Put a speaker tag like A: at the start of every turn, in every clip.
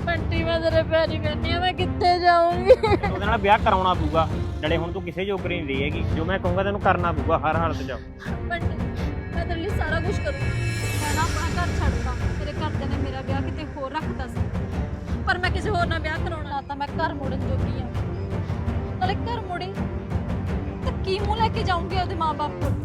A: ਬੰਟੀ ਮੈਂ ਤੇਰੇ ਪੈਰੀ ਪੈਣੀ ਆ, ਮੈਂ ਕਿੱਥੇ ਜਾਊਂਗੀ?
B: ਉਹਦੇ ਨਾਲ ਵਿਆਹ ਕਰਾਉਣਾ ਪਊਗਾ। ਨਾਲੇ ਹੁਣ ਤੂੰ ਕਿਸੇ ਜੋਗਰੀ ਨਹੀਂ ਰਹੀ ਹੈਗੀ, ਜੋ ਮੈਂ ਕਹੂੰਗਾ ਤੈਨੂੰ ਕਰਨਾ ਪਊਗਾ ਹਰ ਹਾਲਤ 'ਚ।
A: ਬੰਟੀ ਮੈਂ ਤੇਰੇ ਲਈ ਸਾਰਾ ਕੁਝ ਕਰੂੰਗੀ। ਮੈਂ ਨਾ ਆਪਣਾ ਘਰ ਛੱਡਦਾ, ਤੇਰੇ ਘਰਦਿਆਂ ਨੇ ਮੇਰਾ ਵਿਆਹ ਕਿਤੇ ਹੋਰ ਰੱਖਤਾ ਸੀ, ਪਰ ਮੈਂ ਕਿਸੇ ਹੋਰ ਨਾਲ ਵਿਆਹ ਕਰਾਉਣਾ ਤਾਂ ਮੈਂ ਘਰ ਮੁੜਨ ਜੋਗੀ ਆ। ਨਾਲੇ ਘਰ ਮੁੜੀ ਤਾਂ ਕੀ ਮੂੰਹ ਲੈ ਕੇ ਜਾਊਂਗੀ ਉਹਦੇ ਮਾਂ-ਬਾਪ ਕੋਲ?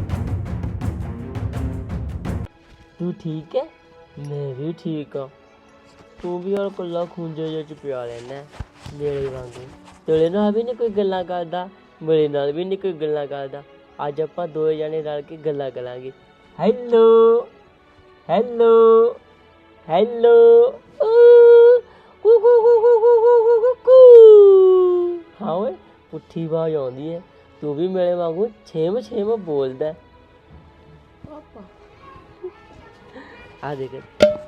C: ਤੂੰ ਠੀਕ ਹੈ? ਮੈਂ ਵੀ ਠੀਕ ਆ। ਤੂੰ ਵੀ ਯਾਰ ਕੱਲਾ ਖੂੰਜੇ ਜਿਹੇ ਚ ਪਿਆ ਰਹਿਣਾ ਮੇਰੇ ਵਾਂਗੂ। ਤੇਰੇ ਨਾਲ ਵੀ ਨਹੀਂ ਕੋਈ ਗੱਲਾਂ ਕਰਦਾ, ਮੇਰੇ ਨਾਲ ਵੀ ਨਹੀਂ ਕੋਈ ਗੱਲਾਂ ਕਰਦਾ। ਅੱਜ ਆਪਾਂ ਦੋਵੇਂ ਜਾਣੇ ਰਲ ਕੇ ਗੱਲਾਂ ਕਰਾਂਗੇ। ਹੈਲੋ ਹੈਲੋ ਹੈਲੋ ਹਾਂ ਓਏ, ਪੁੱਠੀ ਆਵਾਜ਼ ਆਉਂਦੀ ਹੈ। ਤੂੰ ਵੀ ਮੇਰੇ ਵਾਂਗੂ ਛੇਮ ਛੇਮ ਬੋਲਦਾ। ਪਾਪਾ ਆ ਦੇਖ,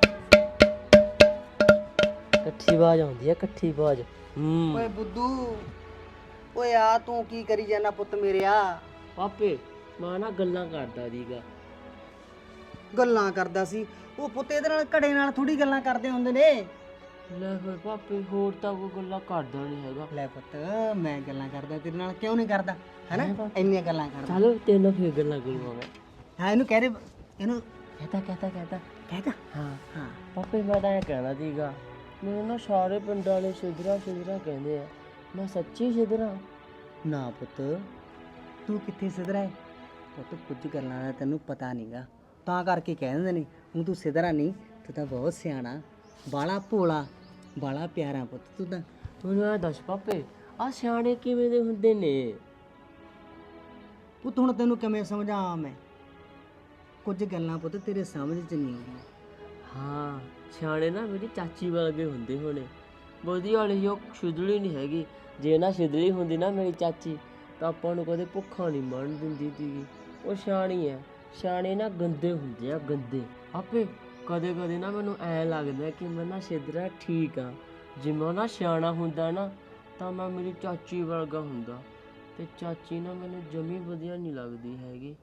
C: ਇਕੱਠੀ ਆਵਾਜ਼ ਆਉਂਦੀ ਹੈ, ਇਕੱਠੀ ਆਵਾਜ਼।
D: ਓਏ ਬੁੱਧੂ, ਓਏ ਆ ਤੂੰ ਕੀ ਕਰੀ ਜਾਣਾ ਪੁੱਤ ਮੇਰਿਆ?
C: ਪਾਪੇ ਮੈਂ ਨਾ ਗੱਲਾਂ ਕਰਦਾ ਸੀਗਾ।
D: ਗੱਲਾਂ ਕਰਦਾ ਸੀ? ਉਹ ਪੁੱਤ ਇਹਦੇ ਨਾਲ ਘੜੇ ਨਾਲ ਥੋੜੀ ਗੱਲਾਂ ਕਰਦੇ ਹੁੰਦੇ ਨੇ।
C: ਲੈ ਫਿਰ ਪਾਪੇ, ਹੋਰ ਤਾਂ ਕੋਈ ਗੱਲਾਂ ਕਰਦਾ ਨਹੀਂ ਹੈਗਾ।
D: ਲੈ ਪੁੱਤ, ਮੈਂ ਗੱਲਾਂ ਕਰਦਾ ਤੇਰੇ ਨਾਲ, ਕਿਉਂ ਨਹੀਂ ਕਰਦਾ? ਹੈਨਾ, ਇੰਨੀਆਂ ਗੱਲਾਂ ਕਰਦਾ।
C: ਚਲੋ ਤੈਨੂੰ ਫਿਰ ਗੱਲਾਂ ਕਰੂੰਗਾ ਮੈਂ।
D: ਹਾਂ ਇਹਨੂੰ ਕਹਿ ਦੇ, ਇਹਨੂੰ
C: ਕਹਤਾ
D: ਕਹਿਦਾ।
C: ਹਾਂ
D: ਹਾਂ
C: ਪਾਪੇ, ਮੈਂ ਤਾਂ ਇਹ ਕਹਿਣਾ ਸੀਗਾ, ਮੈਨੂੰ ਨਾ ਸਾਰੇ ਪਿੰਡ ਵਾਲੇ ਸਿਧਰਾ ਕਹਿੰਦੇ ਆ। ਮੈਂ ਸੱਚੀ ਸਿਧਰਾ?
D: ਨਾ ਪੁੱਤ, ਤੂੰ ਕਿੱਥੇ ਸਿਧਰਾ ਹੈ ਪੁੱਤ? ਕੁਝ ਗੱਲਾਂ ਦਾ ਤੈਨੂੰ ਪਤਾ ਨਹੀਂਗਾ, ਤਾਂ ਕਰਕੇ ਕਹਿ ਦਿੰਦੇ ਨੇ। ਹੁਣ ਤੂੰ ਸਿਧਰਾ ਨਹੀਂ, ਤੂੰ ਤਾਂ ਬਹੁਤ ਸਿਆਣਾ, ਬਾਲਾ ਭੋਲਾ, ਬਾਲਾ ਪਿਆਰਾ ਪੁੱਤ ਤੂੰ ਤਾਂ।
C: ਮੈਨੂੰ ਇਹ ਦੱਸ ਪਾਪੇ, ਆਹ ਸਿਆਣੇ ਕਿਵੇਂ ਦੇ ਹੁੰਦੇ ਨੇ?
D: ਪੁੱਤ ਹੁਣ ਤੈਨੂੰ ਕਿਵੇਂ ਸਮਝਾਵਾਂ ਮੈਂ? ਕੁਝ ਗੱਲਾਂ ਪੁੱਤ ਤੇਰੇ ਸਮਝ 'ਚ ਨਹੀਂ ਆਉਂਦੀਆਂ।
C: ਹਾਂ, ਸਿਆਣੇ ਨਾ ਮੇਰੀ ਚਾਚੀ ਵਰਗੇ ਹੁੰਦੇ ਹੋਣੇ। ਵਧੀਆ ਵਾਲੀ ਉਹ ਸ਼ੁਦਲੀ ਨਹੀਂ ਹੈਗੀ। ਜੇ ਨਾ ਸ਼ੁਦਲੀ ਹੁੰਦੀ ਨਾ ਮੇਰੀ ਚਾਚੀ, ਤਾਂ ਆਪਾਂ ਨੂੰ ਕਦੇ ਭੁੱਖਾ ਨਹੀਂ ਮਰਨ ਦਿੰਦੀ ਸੀਗੀ। ਉਹ ਸਿਆਣੀ ਹੈ। ਸਿਆਣੇ ਨਾ ਗੰਦੇ ਹੁੰਦੇ ਆ, ਗੰਦੇ। ਆਪੇ ਕਦੇ ਕਦੇ ਨਾ ਮੈਨੂੰ ਐਂ ਲੱਗਦਾ ਕਿ ਮੈਂ ਨਾ ਸਿਧਰਾ ਠੀਕ ਆ। ਜੇ ਮੈਂ ਨਾ ਸਿਆਣਾ ਹੁੰਦਾ ਨਾ, ਤਾਂ ਮੈਂ ਮੇਰੀ ਚਾਚੀ ਵਰਗਾ ਹੁੰਦਾ। ਤੇ ਚਾਚੀ ਨਾ ਮੈਨੂੰ ਜਮੀ ਵਧੀਆ ਨਹੀਂ ਲੱਗਦੀ ਹੈਗੀ।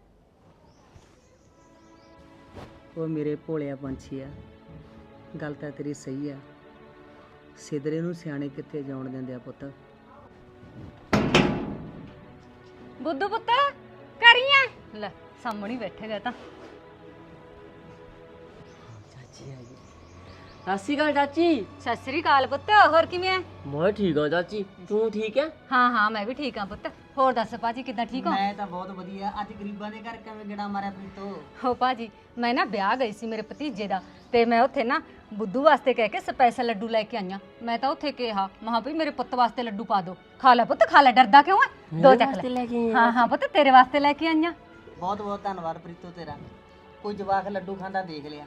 D: ਉਹ ਮੇਰੇ ਭੋਲਿਆ ਪੰਛੀ ਆ, ਗੱਲ ਤਾਂ ਤੇਰੀ ਸਹੀ ਆ। ਸਿਧਰੇ ਨੂੰ ਸਿਆਣੇ ਕਿੱਥੇ ਜਾਣ ਦਿੰਦੇ ਆ ਪੁੱਤ।
A: ਬੁੱਧੂ ਪੁੱਤ ਕਰੀਆਂ ਲੈ, ਸਾਹਮਣੇ ਬੈਠੇਗਾ ਤਾਂ।
C: ਚਾਚੀ ਆ ਗਈ। ਸਤਿ ਸ਼੍ਰੀ ਅਕਾਲ ਚਾਚੀ।
A: ਸਤਿ ਸ੍ਰੀ ਅਕਾਲ ਪੁੱਤ, ਹੋਰ ਕਿਵੇਂ ਐ?
C: ਮੈਂ ਠੀਕ ਹਾਂ ਚਾਚੀ, ਤੂੰ ਠੀਕ ਹੈ?
A: ਹਾਂ ਮੈਂ ਵੀ ਠੀਕ ਹਾਂ ਪੁੱਤ। ਹੋਰ ਦੱਸ ਭਾਜੀ, ਕਿੱਦਾਂ ਠੀਕ ਹੋ?
D: ਮੈਂ ਤਾਂ ਬਹੁਤ ਵਧੀਆ। ਅੱਜ ਗਰੀਬਾਂ ਦੇ ਘਰ ਕਿਵੇਂ ਗੇੜਾ ਮਾਰਿਆ ਪ੍ਰੀਤੋ?
A: ਹੋ ਭਾਜੀ, ਮੈਂ ਨਾ ਵਿਆਹ ਗਈ ਸੀ ਮੇਰੇ ਭਤੀਜੇ ਦਾ, ਤੇ ਮੈਂ ਉੱਥੇ ਨਾ ਬੁੱਧੂ ਵਾਸਤੇ ਕਹਿ ਕੇ ਸਪੈਸ਼ਲ ਲੱਡੂ ਲੈ ਕੇ ਆਈਆਂ। ਮੈਂ ਤਾਂ ਉੱਥੇ ਕਿਹਾ, ਮਹਾਂ ਵੀ ਮੇਰੇ ਪੁੱਤ ਵਾਸਤੇ ਲੱਡੂ ਪਾ ਦਿਓ। ਖਾ ਲੈ ਪੁੱਤ, ਖਾ ਲੈ, ਡਰਦਾ ਕਿਉਂ ਐ? ਦੋ ਚੱਕ ਲੈ। ਹਾਂ ਪੁੱਤ, ਤੇਰੇ ਵਾਸਤੇ ਲੈ ਕੇ ਆਈਆਂ।
D: ਬਹੁਤ ਬਹੁਤ ਧੰਨਵਾਦ ਪ੍ਰੀਤੋ ਤੇਰਾ। ਕੋਈ ਜਵਾਕ ਲੱਡੂ ਖਾਂਦਾ ਦੇਖ ਲਿਆ,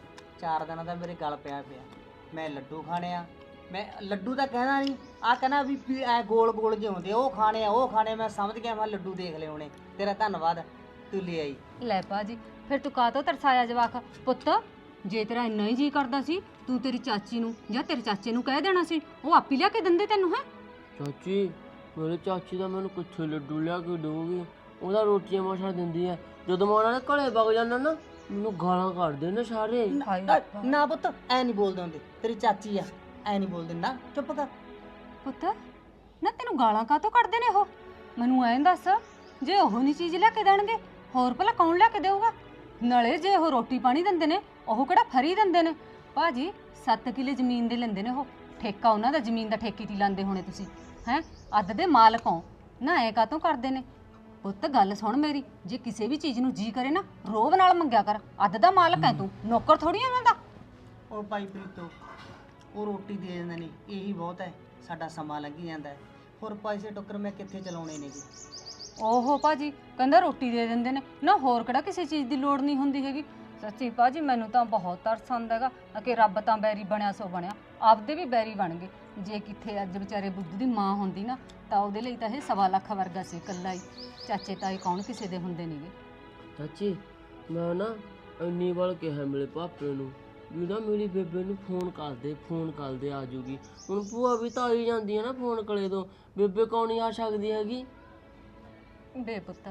D: 4 ਦਿਨਾਂ ਦਾ ਮੇਰੇ ਗਲ ਪਿਆ। ਮੈਂ ਲੱਡੂ ਖਾਣੇ ਆ। ਮੈਂ ਲੱਡੂ ਤਾਂ ਕਹਿਣਾ ਨਹੀਂ, ਆ ਕਹਿਣਾ ਵੀ ਐ ਗੋਲ ਗੋਲ ਜਿਹੇ ਹੁੰਦੇ, ਉਹ ਖਾਣੇ ਆ, ਉਹ ਖਾਣੇ। ਮੈਂ ਸਮਝ ਗਿਆ, ਮੈਂ ਲੱਡੂ ਦੇਖ ਲਏ ਹੋਣੇ। ਤੇਰਾ ਧੰਨਵਾਦ, ਤੂੰ ਲੈ ਆਈ।
A: ਲੈ ਭਾਜੀ, ਫਿਰ ਤੂੰ ਕਾਹਤੋਂ ਤਰਸਾਇਆ ਜਵਾਕ? ਪੁੱਤ ਜੇ ਤੇਰਾ ਇੰਨਾ ਹੀ ਜੀ ਕਰਦਾ ਸੀ, ਤੂੰ ਤੇਰੀ ਚਾਚੀ ਨੂੰ ਜਾਂ ਤੇਰੇ ਚਾਚੇ ਨੂੰ ਕਹਿ ਦੇਣਾ ਸੀ, ਉਹ ਆਪੀ ਲਿਆ ਕੇ ਦਿੰਦੇ ਤੈਨੂੰ। ਹੈ
C: ਚਾਚੀ, ਮੇਰੇ ਚਾਚੀ ਦਾ ਮੈਨੂੰ ਕਿੱਥੇ ਲੱਡੂ ਲਿਆ ਕੇ ਦੇਊਗੀ? ਉਹਦਾ ਰੋਟੀਆਂ ਮਸਾਂ ਦਿੰਦੀ ਹੈ। ਜਦੋਂ ਮੈਂ ਉਹਨਾਂ ਦੇ ਘਰੇ ਵਗ ਜਾਂਦਾ ਨਾ, ਮੈਨੂੰ ਗਾਲਾਂ ਕੱਢਦੇ ਨੇ ਸਾਰੇ।
D: ਨਾ ਪੁੱਤ, ਐ ਨਹੀਂ ਬੋਲਦੇ ਹੁੰਦੇ, ਤੇਰੀ ਚਾਚੀ ਆ, ਐ ਨਹੀਂ ਬੋਲਦੇ ਨਾ। ਚੁੱਪ ਕਰ
A: ਪੁੱਤ, ਨਾ ਤੈਨੂੰ ਗਾਲਾਂ ਕਾਹਤੋਂ ਕੱਢਦੇ ਨੇ ਉਹ? ਮੈਨੂੰ ਐਂ ਦੱਸ, ਜੇ ਉਹ ਨਹੀਂ ਚੀਜ਼ ਲਿਆ ਕੇ ਦੇਣਗੇ, ਹੋਰ ਭਲਾ ਕੌਣ ਲਿਆ ਕੇ ਦੇਊਗਾ? ਨਾਲੇ ਜੇ ਉਹ ਰੋਟੀ ਪਾਣੀ ਦਿੰਦੇ ਨੇ, ਉਹ ਕਿਹੜਾ ਫਰੀ ਦਿੰਦੇ ਨੇ? ਭਾਜੀ 7 ਕਿੱਲੇ ਜ਼ਮੀਨ ਦੇ ਲੈਂਦੇ ਨੇ ਉਹ, ਠੇਕਾ ਉਹਨਾਂ ਦਾ ਜ਼ਮੀਨ ਦਾ ਠੇਕੇ ਤੇ ਲਾਂਦੇ ਹੋਣੇ ਤੁਸੀਂ। ਹੈ ਅੱਧ ਦੇ ਮਾਲਕ ਹੋ ਨਾ, ਐ ਕਾਹਤੋਂ ਕਰਦੇ ਨੇ? ਪੁੱਤ ਗੱਲ ਸੁਣ ਮੇਰੀ, ਜੇ ਕਿਸੇ ਵੀ ਚੀਜ਼ ਨੂੰ ਜੀ ਕਰੇ ਨਾ, ਰੋਬ ਨਾਲ ਮੰਗਿਆ ਕਰ। ਅੱਧ ਦਾ ਮਾਲਕ ਹੈ ਤੂੰ, ਨੌਕਰ ਥੋੜੀ ਉਹਨਾਂ ਦਾ।
D: ਉਹ ਭਾਈ ਪ੍ਰੀਤੋ, ਉਹ ਰੋਟੀ ਦੇ ਦਿੰਦੇ ਨੇ, ਇਹੀ ਬਹੁਤ ਹੈ। ਸਾਡਾ ਸਮਾਂ ਲੰਘੀ ਜਾਂਦਾ ਹੈ, ਹੋਰ ਪੈਸੇ ਟੱਕਰ ਮੈਂ ਕਿੱਥੇ ਚਲਾਉਣੇ ਨੇ ਜੀ।
A: ਓਹੋ ਭਾਜੀ, ਕਹਿੰਦਾ ਰੋਟੀ ਦੇ ਦਿੰਦੇ ਨੇ ਨਾ, ਹੋਰ ਕਿਹੜਾ ਕਿਸੇ ਚੀਜ਼ ਦੀ ਲੋੜ ਨਹੀਂ ਹੁੰਦੀ ਹੈਗੀ। ਸੱਚੀ ਭਾਜੀ, ਮੈਨੂੰ ਤਾਂ ਬਹੁਤ ਤਰਸ ਆਉਂਦਾ ਹੈਗਾ ਕਿ ਰੱਬ ਤਾਂ ਬੈਰੀ ਬਣਿਆ ਸੋ ਬਣਿਆ, ਆਪਦੇ ਵੀ ਬੈਰੀ ਬਣ ਗਏ। ਜੇ ਕਿੱਥੇ ਅੱਜ ਵਿਚਾਰੇ ਬੁੱਧੂ ਦੀ ਮਾਂ ਹੁੰਦੀ ਨਾ, ਤਾਂ ਉਹਦੇ ਲਈ ਤਾਂ ਇਹ 1.25 ਲੱਖ ਵਰਗਾ ਸੀ ਇਕੱਲਾ ਹੀ। ਚਾਚੇ ਤਾਏ ਕੌਣ ਕਿਸੇ ਦੇ ਹੁੰਦੇ ਨਹੀਂਗੇ।
C: ਚਾਚੀ, ਮੈਂ ਨਾ ਇੰਨੀ ਵਾਰ ਕਿਹਾ ਮੇਰੇ ਪਾਪੇ ਨੂੰ ਵੀ ਨਾ ਮੇਰੀ ਬੇਬੇ ਨੂੰ ਫੋਨ ਕਰ ਦੇ ਆ ਜੂਗੀ। ਹੁਣ ਭੂਆ ਵੀ ਤਾਂ ਆਈ ਜਾਂਦੀ ਹੈ ਨਾ ਫੋਨ ਕਲੇ ਤੋਂ, ਬੇਬੇ ਕੌਣ ਨਹੀਂ ਆ ਸਕਦੀ ਹੈਗੀ?
A: ਬੇ ਪੁੱਤ,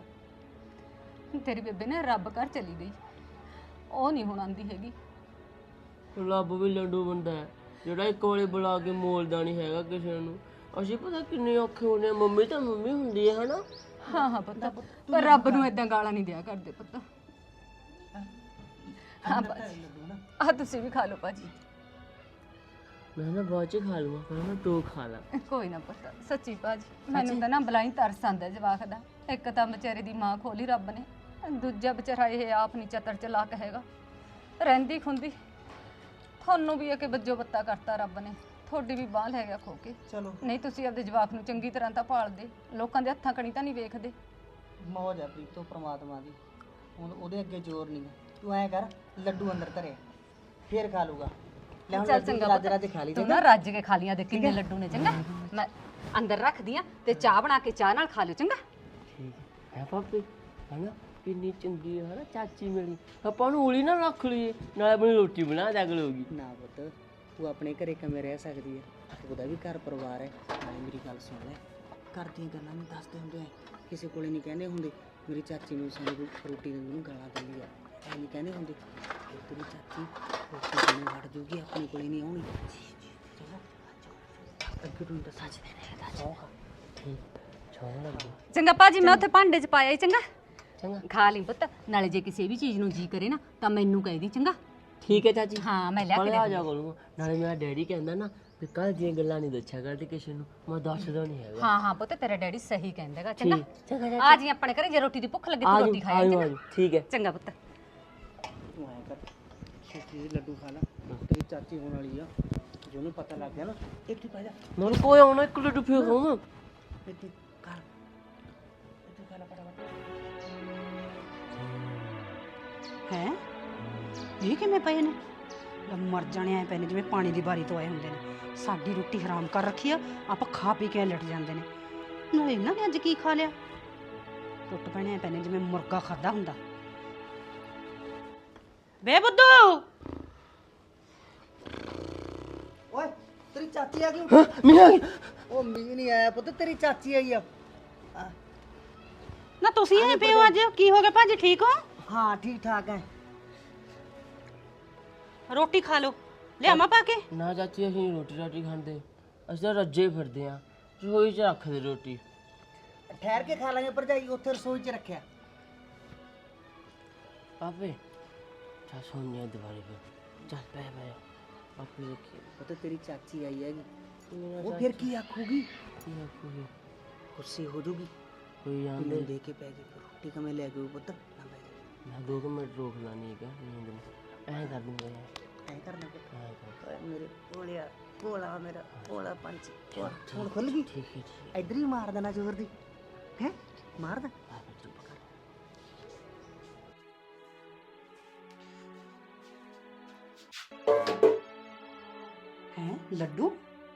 A: ਤੇਰੀ ਬੇਬੇ ਨੇ ਰੱਬ ਘਰ ਚਲੀ ਗਈ, ਉਹ ਨਹੀਂ ਹੁਣ ਆਉਂਦੀ ਹੈਗੀ।
C: ਰੱਬ ਵੀ ਲੰਡੂ ਬੰਦਾ ਹੈ। ਜਿਹੜਾ ਇੱਕ ਵਾਲੇ ਬੁਲਾ ਕੇ ਮੋਲਦਾ ਨਹੀਂ ਹੈਗਾ ਕਿਸੇ ਨੂੰ। ਅਸੀਂ ਪਤਾ ਕਿੰਨੇ ਔਖੇ ਹੁੰਦੇ ਆ, ਮੰਮੀ ਤਾਂ ਮੰਮੀ ਹੁੰਦੀ ਹੈ ਹਨਾ।
A: ਹਾਂ ਹਾਂ ਪੁੱਤ, ਪਰ ਰੱਬ ਨੂੰ ਇਦਾਂ ਗਾਲਾਂ ਨਹੀਂ ਦਿਆ ਕਰਦੇ ਪੁੱਤ। ਹਾਂ ਭਾਜੀ, ਆ ਤੁਸੀਂ ਵੀ ਖਾ ਲਓ ਭਾਜੀ।
C: ਮੈਂ ਨਾ ਬਾਅਦ ਚ ਖਾ ਲੂੰਗਾ, ਪਹਿਲਾਂ ਤੂੰ ਖਾ ਲਾ।
A: ਕੋਈ ਨਾ ਪੁੱਤ, ਸੱਚੀ ਭਾਜੀ ਮੈਨੂੰ ਤਾਂ ਨਾ ਬਲਾਈ ਤਰਸ ਆਂਦਾ ਜਵਾਕ ਦਾ। ਇੱਕ ਤਾਂ ਵਿਚਾਰੇ ਦੀ ਮਾਂ ਖੋਲੀ ਰੱਬ ਨੇ, ਦੂਜਾ ਵਿਚਾਰਾ ਇਹ ਆਪ ਨਹੀਂ ਚਤਰ ਚਲਾਕ ਹੈਗਾ। ਰਹਿੰਦੀ ਖੁੰਦੀ ਤੁਹਾਨੂੰ ਵੀ ਇਹ ਵੱਜੋ ਬੱਤਾ ਕਰਤਾ ਰੱਬ ਨੇ, ਤੁਹਾਡੀ ਵੀ ਬਾਂਹ ਲੈ ਗਿਆ ਖੋ ਕੇ।
D: ਚਲੋ
A: ਨਹੀਂ ਤੁਸੀਂ ਆਪਦੇ ਜਵਾਕ ਨੂੰ ਚੰਗੀ ਤਰ੍ਹਾਂ ਤਾਂ ਪਾਲਦੇ, ਲੋਕਾਂ ਦੇ ਹੱਥਾਂ ਕਣੀ ਤਾਂ ਨਹੀਂ ਵੇਖਦੇ।
D: ਮੌਜ ਆ ਪ੍ਰੀਤੋ ਪ੍ਰਮਾਤਮਾ ਦੀ, ਹੁਣ ਉਹਦੇ ਅੱਗੇ ਜ਼ੋਰ ਨਹੀਂ ਹੈ। ਤੂੰ ਐਂ ਕਰ, ਲੱਡੂ ਅੰਦਰ ਧਰੇ ਫੇਰ ਖਾ ਲੂਗਾ। ਲੈ ਹੁਣ
A: ਚੱਲ
D: ਲੱਡੂ
A: ਚੰਗਾ
D: ਰੱਜ
A: ਪੁੱਤ,
D: ਰੱਜ ਖਾ ਲਈ
A: ਤੂੰ ਨਾ ਰੱਜ ਕੇ ਖਾ ਲੀਆਂ ਦੇ ਕਿੰਨੇ ਲੱਡੂ ਨੇ। ਚੰਗਾ ਮੈਂ ਅੰਦਰ ਰੱਖਦੀ ਆ ਤੇ ਚਾਹ ਬਣਾ ਕੇ ਚਾਹ ਨਾਲ ਖਾ ਲਿਓ। ਚੰਗਾ
C: ਠੀਕ ਹੈ ਪਾਪੀ, ਹਨਾ ਕਿੰਨੀ ਚੰਗੀ ਹੈ ਨਾ ਚਾਚੀ ਮੇਰੀ। ਆਪਾਂ ਨੂੰ ਉਲੀ ਨਾ ਰੱਖ ਲਈਏ, ਨਾਲੇ ਆਪਣੀ ਰੋਟੀ ਬਣਾ ਦਿਆ ਕਰੂਗੀ।
D: ਨਾ ਪੁੱਤ, ਤੂੰ ਆਪਣੇ ਘਰੇ ਕਿਵੇਂ ਰਹਿ ਸਕਦੀ ਹੈ? ਉਹਦਾ ਵੀ ਘਰ ਪਰਿਵਾਰ ਹੈ। ਨਾਲੇ ਮੇਰੀ ਗੱਲ ਸੁਣ ਲੈ, ਘਰ ਦੀਆਂ ਗੱਲਾਂ ਨਹੀਂ ਦੱਸਦੇ ਹੁੰਦੇ ਐ, ਕਿਸੇ ਕੋਲੇ ਨਹੀਂ ਕਹਿੰਦੇ ਹੁੰਦੇ ਮੇਰੀ ਚਾਚੀ ਨੂੰ ਸਾਨੂੰ ਕੋਈ ਰੋਟੀ ਦਿੰਦੀ ਨੂੰ ਗਾਲਾਂ ਦਿੰਦੀ ਆ, ਐ ਨਹੀਂ ਕਹਿੰਦੇ ਹੁੰਦੇ। ਤੇਰੀ ਚਾਚੀ ਰੋਟੀ ਦੇਣੀ ਹਟ ਜੂਗੀ, ਆਪਣੇ ਕੋਲੇ ਨਹੀਂ ਆਉਣੀ। ਚਲੋ ਅੱਗੇ ਤੂੰ ਤਾਂ ਸੱਚ ਦੇ ਰਹੇ
C: ਠੀਕ ਛੋਣ ਲੱਗੀ।
A: ਚੰਗਾ ਭਾਜੀ, ਮੈਂ ਉੱਥੇ ਭਾਂਡੇ 'ਚ ਪਾਇਆ ਹੀ। ਚੰਗਾ
C: ਚੰਗਾ
A: ਖਾ ਲਈ ਪੁੱਤ, ਨਾਲੇ ਜੇ ਕਿਸੇ ਵੀ ਚੀਜ਼ ਨੂੰ ਜੀ ਕਰੇ ਨਾ ਤਾਂ ਮੈਨੂੰ ਕਹਿ ਦੀ। ਚੰਗਾ
C: ਠੀਕ ਹੈ ਚਾਚੀ,
A: ਹਾਂ ਮੈਂ ਲਿਆ ਕੇ
C: ਕੱਲ੍ਹ
A: ਦੇ
C: ਆ ਜਾ ਕਰੂੰਗਾ। ਨਾਲੇ ਮੇਰਾ ਡੈਡੀ ਕਹਿੰਦਾ ਨਾ ਵੀ ਕੱਲ੍ਹ ਦੀਆਂ ਗੱਲਾਂ ਨਹੀਂ ਦੱਸਿਆ ਕਰਦੇ ਕਿਸੇ ਨੂੰ, ਮੈਂ ਦੱਸਦਾ ਨਹੀਂ ਹੈਗਾ।
A: ਹਾਂ ਹਾਂ ਪੁੱਤ, ਤੇਰਾ ਡੈਡੀ ਸਹੀ ਕਹਿੰਦਾਗਾ। ਚੰਗਾ
C: ਚੰਗਾ
A: ਆ ਜੀ ਆਪਣੇ ਘਰੇ, ਜੇ ਰੋਟੀ ਦੀ ਭੁੱਖ ਲੱਗੇ ਤੂੰ ਰੋਟੀ ਖਾਇਆ। ਚੰਗਾ
C: ਠੀਕ ਹੈ।
A: ਚੰਗਾ ਪੁੱਤ।
D: ਤੂੰ ਐਂ ਕਰ, ਛੇਤੀ ਲੱਡੂ ਖਾ ਲੈ, ਤੇਰੀ ਚਾਚੀ ਹੋਣ ਵਾਲੀ ਆ। ਜੇ ਉਹਨੂੰ ਪਤਾ ਲੱਗ ਗਿਆ ਨਾ, ਇੱਥੇ ਪੈ ਜਾ,
C: ਮੈਨੂੰ ਕੋਈ ਆਉਣਾ ਇੱਕ ਲੱਡੂ ਫੇਰ ਖਾਵਾਂ।
D: ਇੱਥੇ ਕਰ, ਇੱਥੇ ਖਾ ਲੈ ਫਟਾਫਟ।
E: ਹੈ ਇਹ ਕਿਵੇਂ ਪਏ ਨੇ? ਲੈ ਮਰ ਜਾਣੇ ਆਏ ਪਏ ਨੇ ਜਿਵੇਂ ਪਾਣੀ ਦੀ ਬਾਰੀ ਤੋਂ ਆਏ ਹੁੰਦੇ ਨੇ। ਸਾਡੀ ਰੋਟੀ ਹਰਾਮ ਕਰ ਰੱਖੀ ਆ, ਆਪਾਂ ਖਾ ਪੀ ਕੇ ਲਟ ਜਾਂਦੇ ਨੇ। ਨਾਲੇ ਇਹਨਾਂ ਨੇ ਅੱਜ ਕੀ ਖਾ ਲਿਆ? ਟੁੱਟ ਪੈਣੇ ਆਏ ਪਏ ਨੇ ਜਿਵੇਂ ਮੁਰਗਾ ਖਾਦਾ ਹੁੰਦਾ। ਬੇ ਬੁੱਧੂ,
D: ਓਏ ਤੇਰੀ ਚਾਚੀ ਆ ਗਈ।
C: ਮੀਆਂ
D: ਉਹ ਮੀਂਹ ਨਹੀਂ ਆਇਆ ਪੁੱਤ, ਤੇਰੀ ਚਾਚੀ ਆਈ ਆ।
E: ਨਾ ਤੁਸੀਂ ਆਏ ਪਏ ਹੋ ਅੱਜ? ਕੀ ਹੋ ਗਿਆ ਭਾਜੀ, ਠੀਕ ਹੋ?
D: ਹਾਂ ਠੀਕ ਠਾਕ ਹੈ।
E: ਰੋਟੀ ਖਾ ਲਓ, ਲਿਆਵਾਂ ਪਾ ਕੇ?
C: ਨਾ ਚਾਚੀ, ਅਸੀਂ ਰੋਟੀ ਰਾਟੀ ਖਾਂਦੇ, ਅਸੀਂ ਤਾਂ ਰੱਜੇ ਫਿਰਦੇ ਆ, ਰਸੋਈ 'ਚ ਰੱਖਦੇ ਰੋਟੀ।
D: ਠਹਿਰ ਕੇ ਖਾ ਲਾਂਗੇ ਭਰਜਾਈ, ਉੱਥੇ ਰਸੋਈ 'ਚ ਰੱਖਿਆ।
C: ਪਾਪੇ ਚੱਲ ਸੋਨੀਆ ਦੁਬਾਰੇ ਫਿਰ, ਚੱਲ ਪੈ ਪੈ ਪਾਪੇ ਦੇਖੀ
D: ਪੁੱਤ ਤੇਰੀ ਚਾਚੀ ਆਈ ਹੈਗੀ,
C: ਮੇਰਾ
D: ਉਹ ਫਿਰ ਕੀ ਆਖੂਗੀ?
C: ਕੀ ਆਖੂਗੀ?
D: ਗੁੱਸੇ ਹੋ ਜੂਗੀ,
C: ਕੋਈ
D: ਮੈਨੂੰ
C: ਆਂਦੇ
D: ਦੇ ਕੇ ਪੈ ਗਈ ਰੋਟੀ ਕਿਵੇਂ ਲੈ ਗਈ ਪੁੱਤ? ਨਾ ਬੈ ਜਾ,
C: ਮੈਂ 2 ਮਿੰਟ ਰੋਕ ਲਾਣੀ ਹੈਗਾ ਨੀਂਦ ਨੂੰ, ਐਂ ਕਰ ਦੂੰਗਾ ਯਾਰ,
D: ਐਂ ਕਰਨਾ ਪੁੱਤ।
C: ਐਂ ਕਰ।
D: ਓਏ ਮੇਰੇ ਭੋਲਿਆ ਭੋਲਾ, ਮੇਰਾ ਭੋਲਾ ਪੰਛੀ। ਹੁਣ ਖੁੱਲ ਗਈ,
C: ਠੀਕ ਹੈ ਠੀਕ
D: ਇੱਧਰ ਹੀ ਮਾਰ ਦੇਣਾ ਜ਼ੋਰ ਦੀ। ਹੈ ਮਾਰ ਦੇ।
C: ਪਾਪੇ ਚੁੱਪ ਕਰ।
E: ਹੈ ਲੱਡੂ?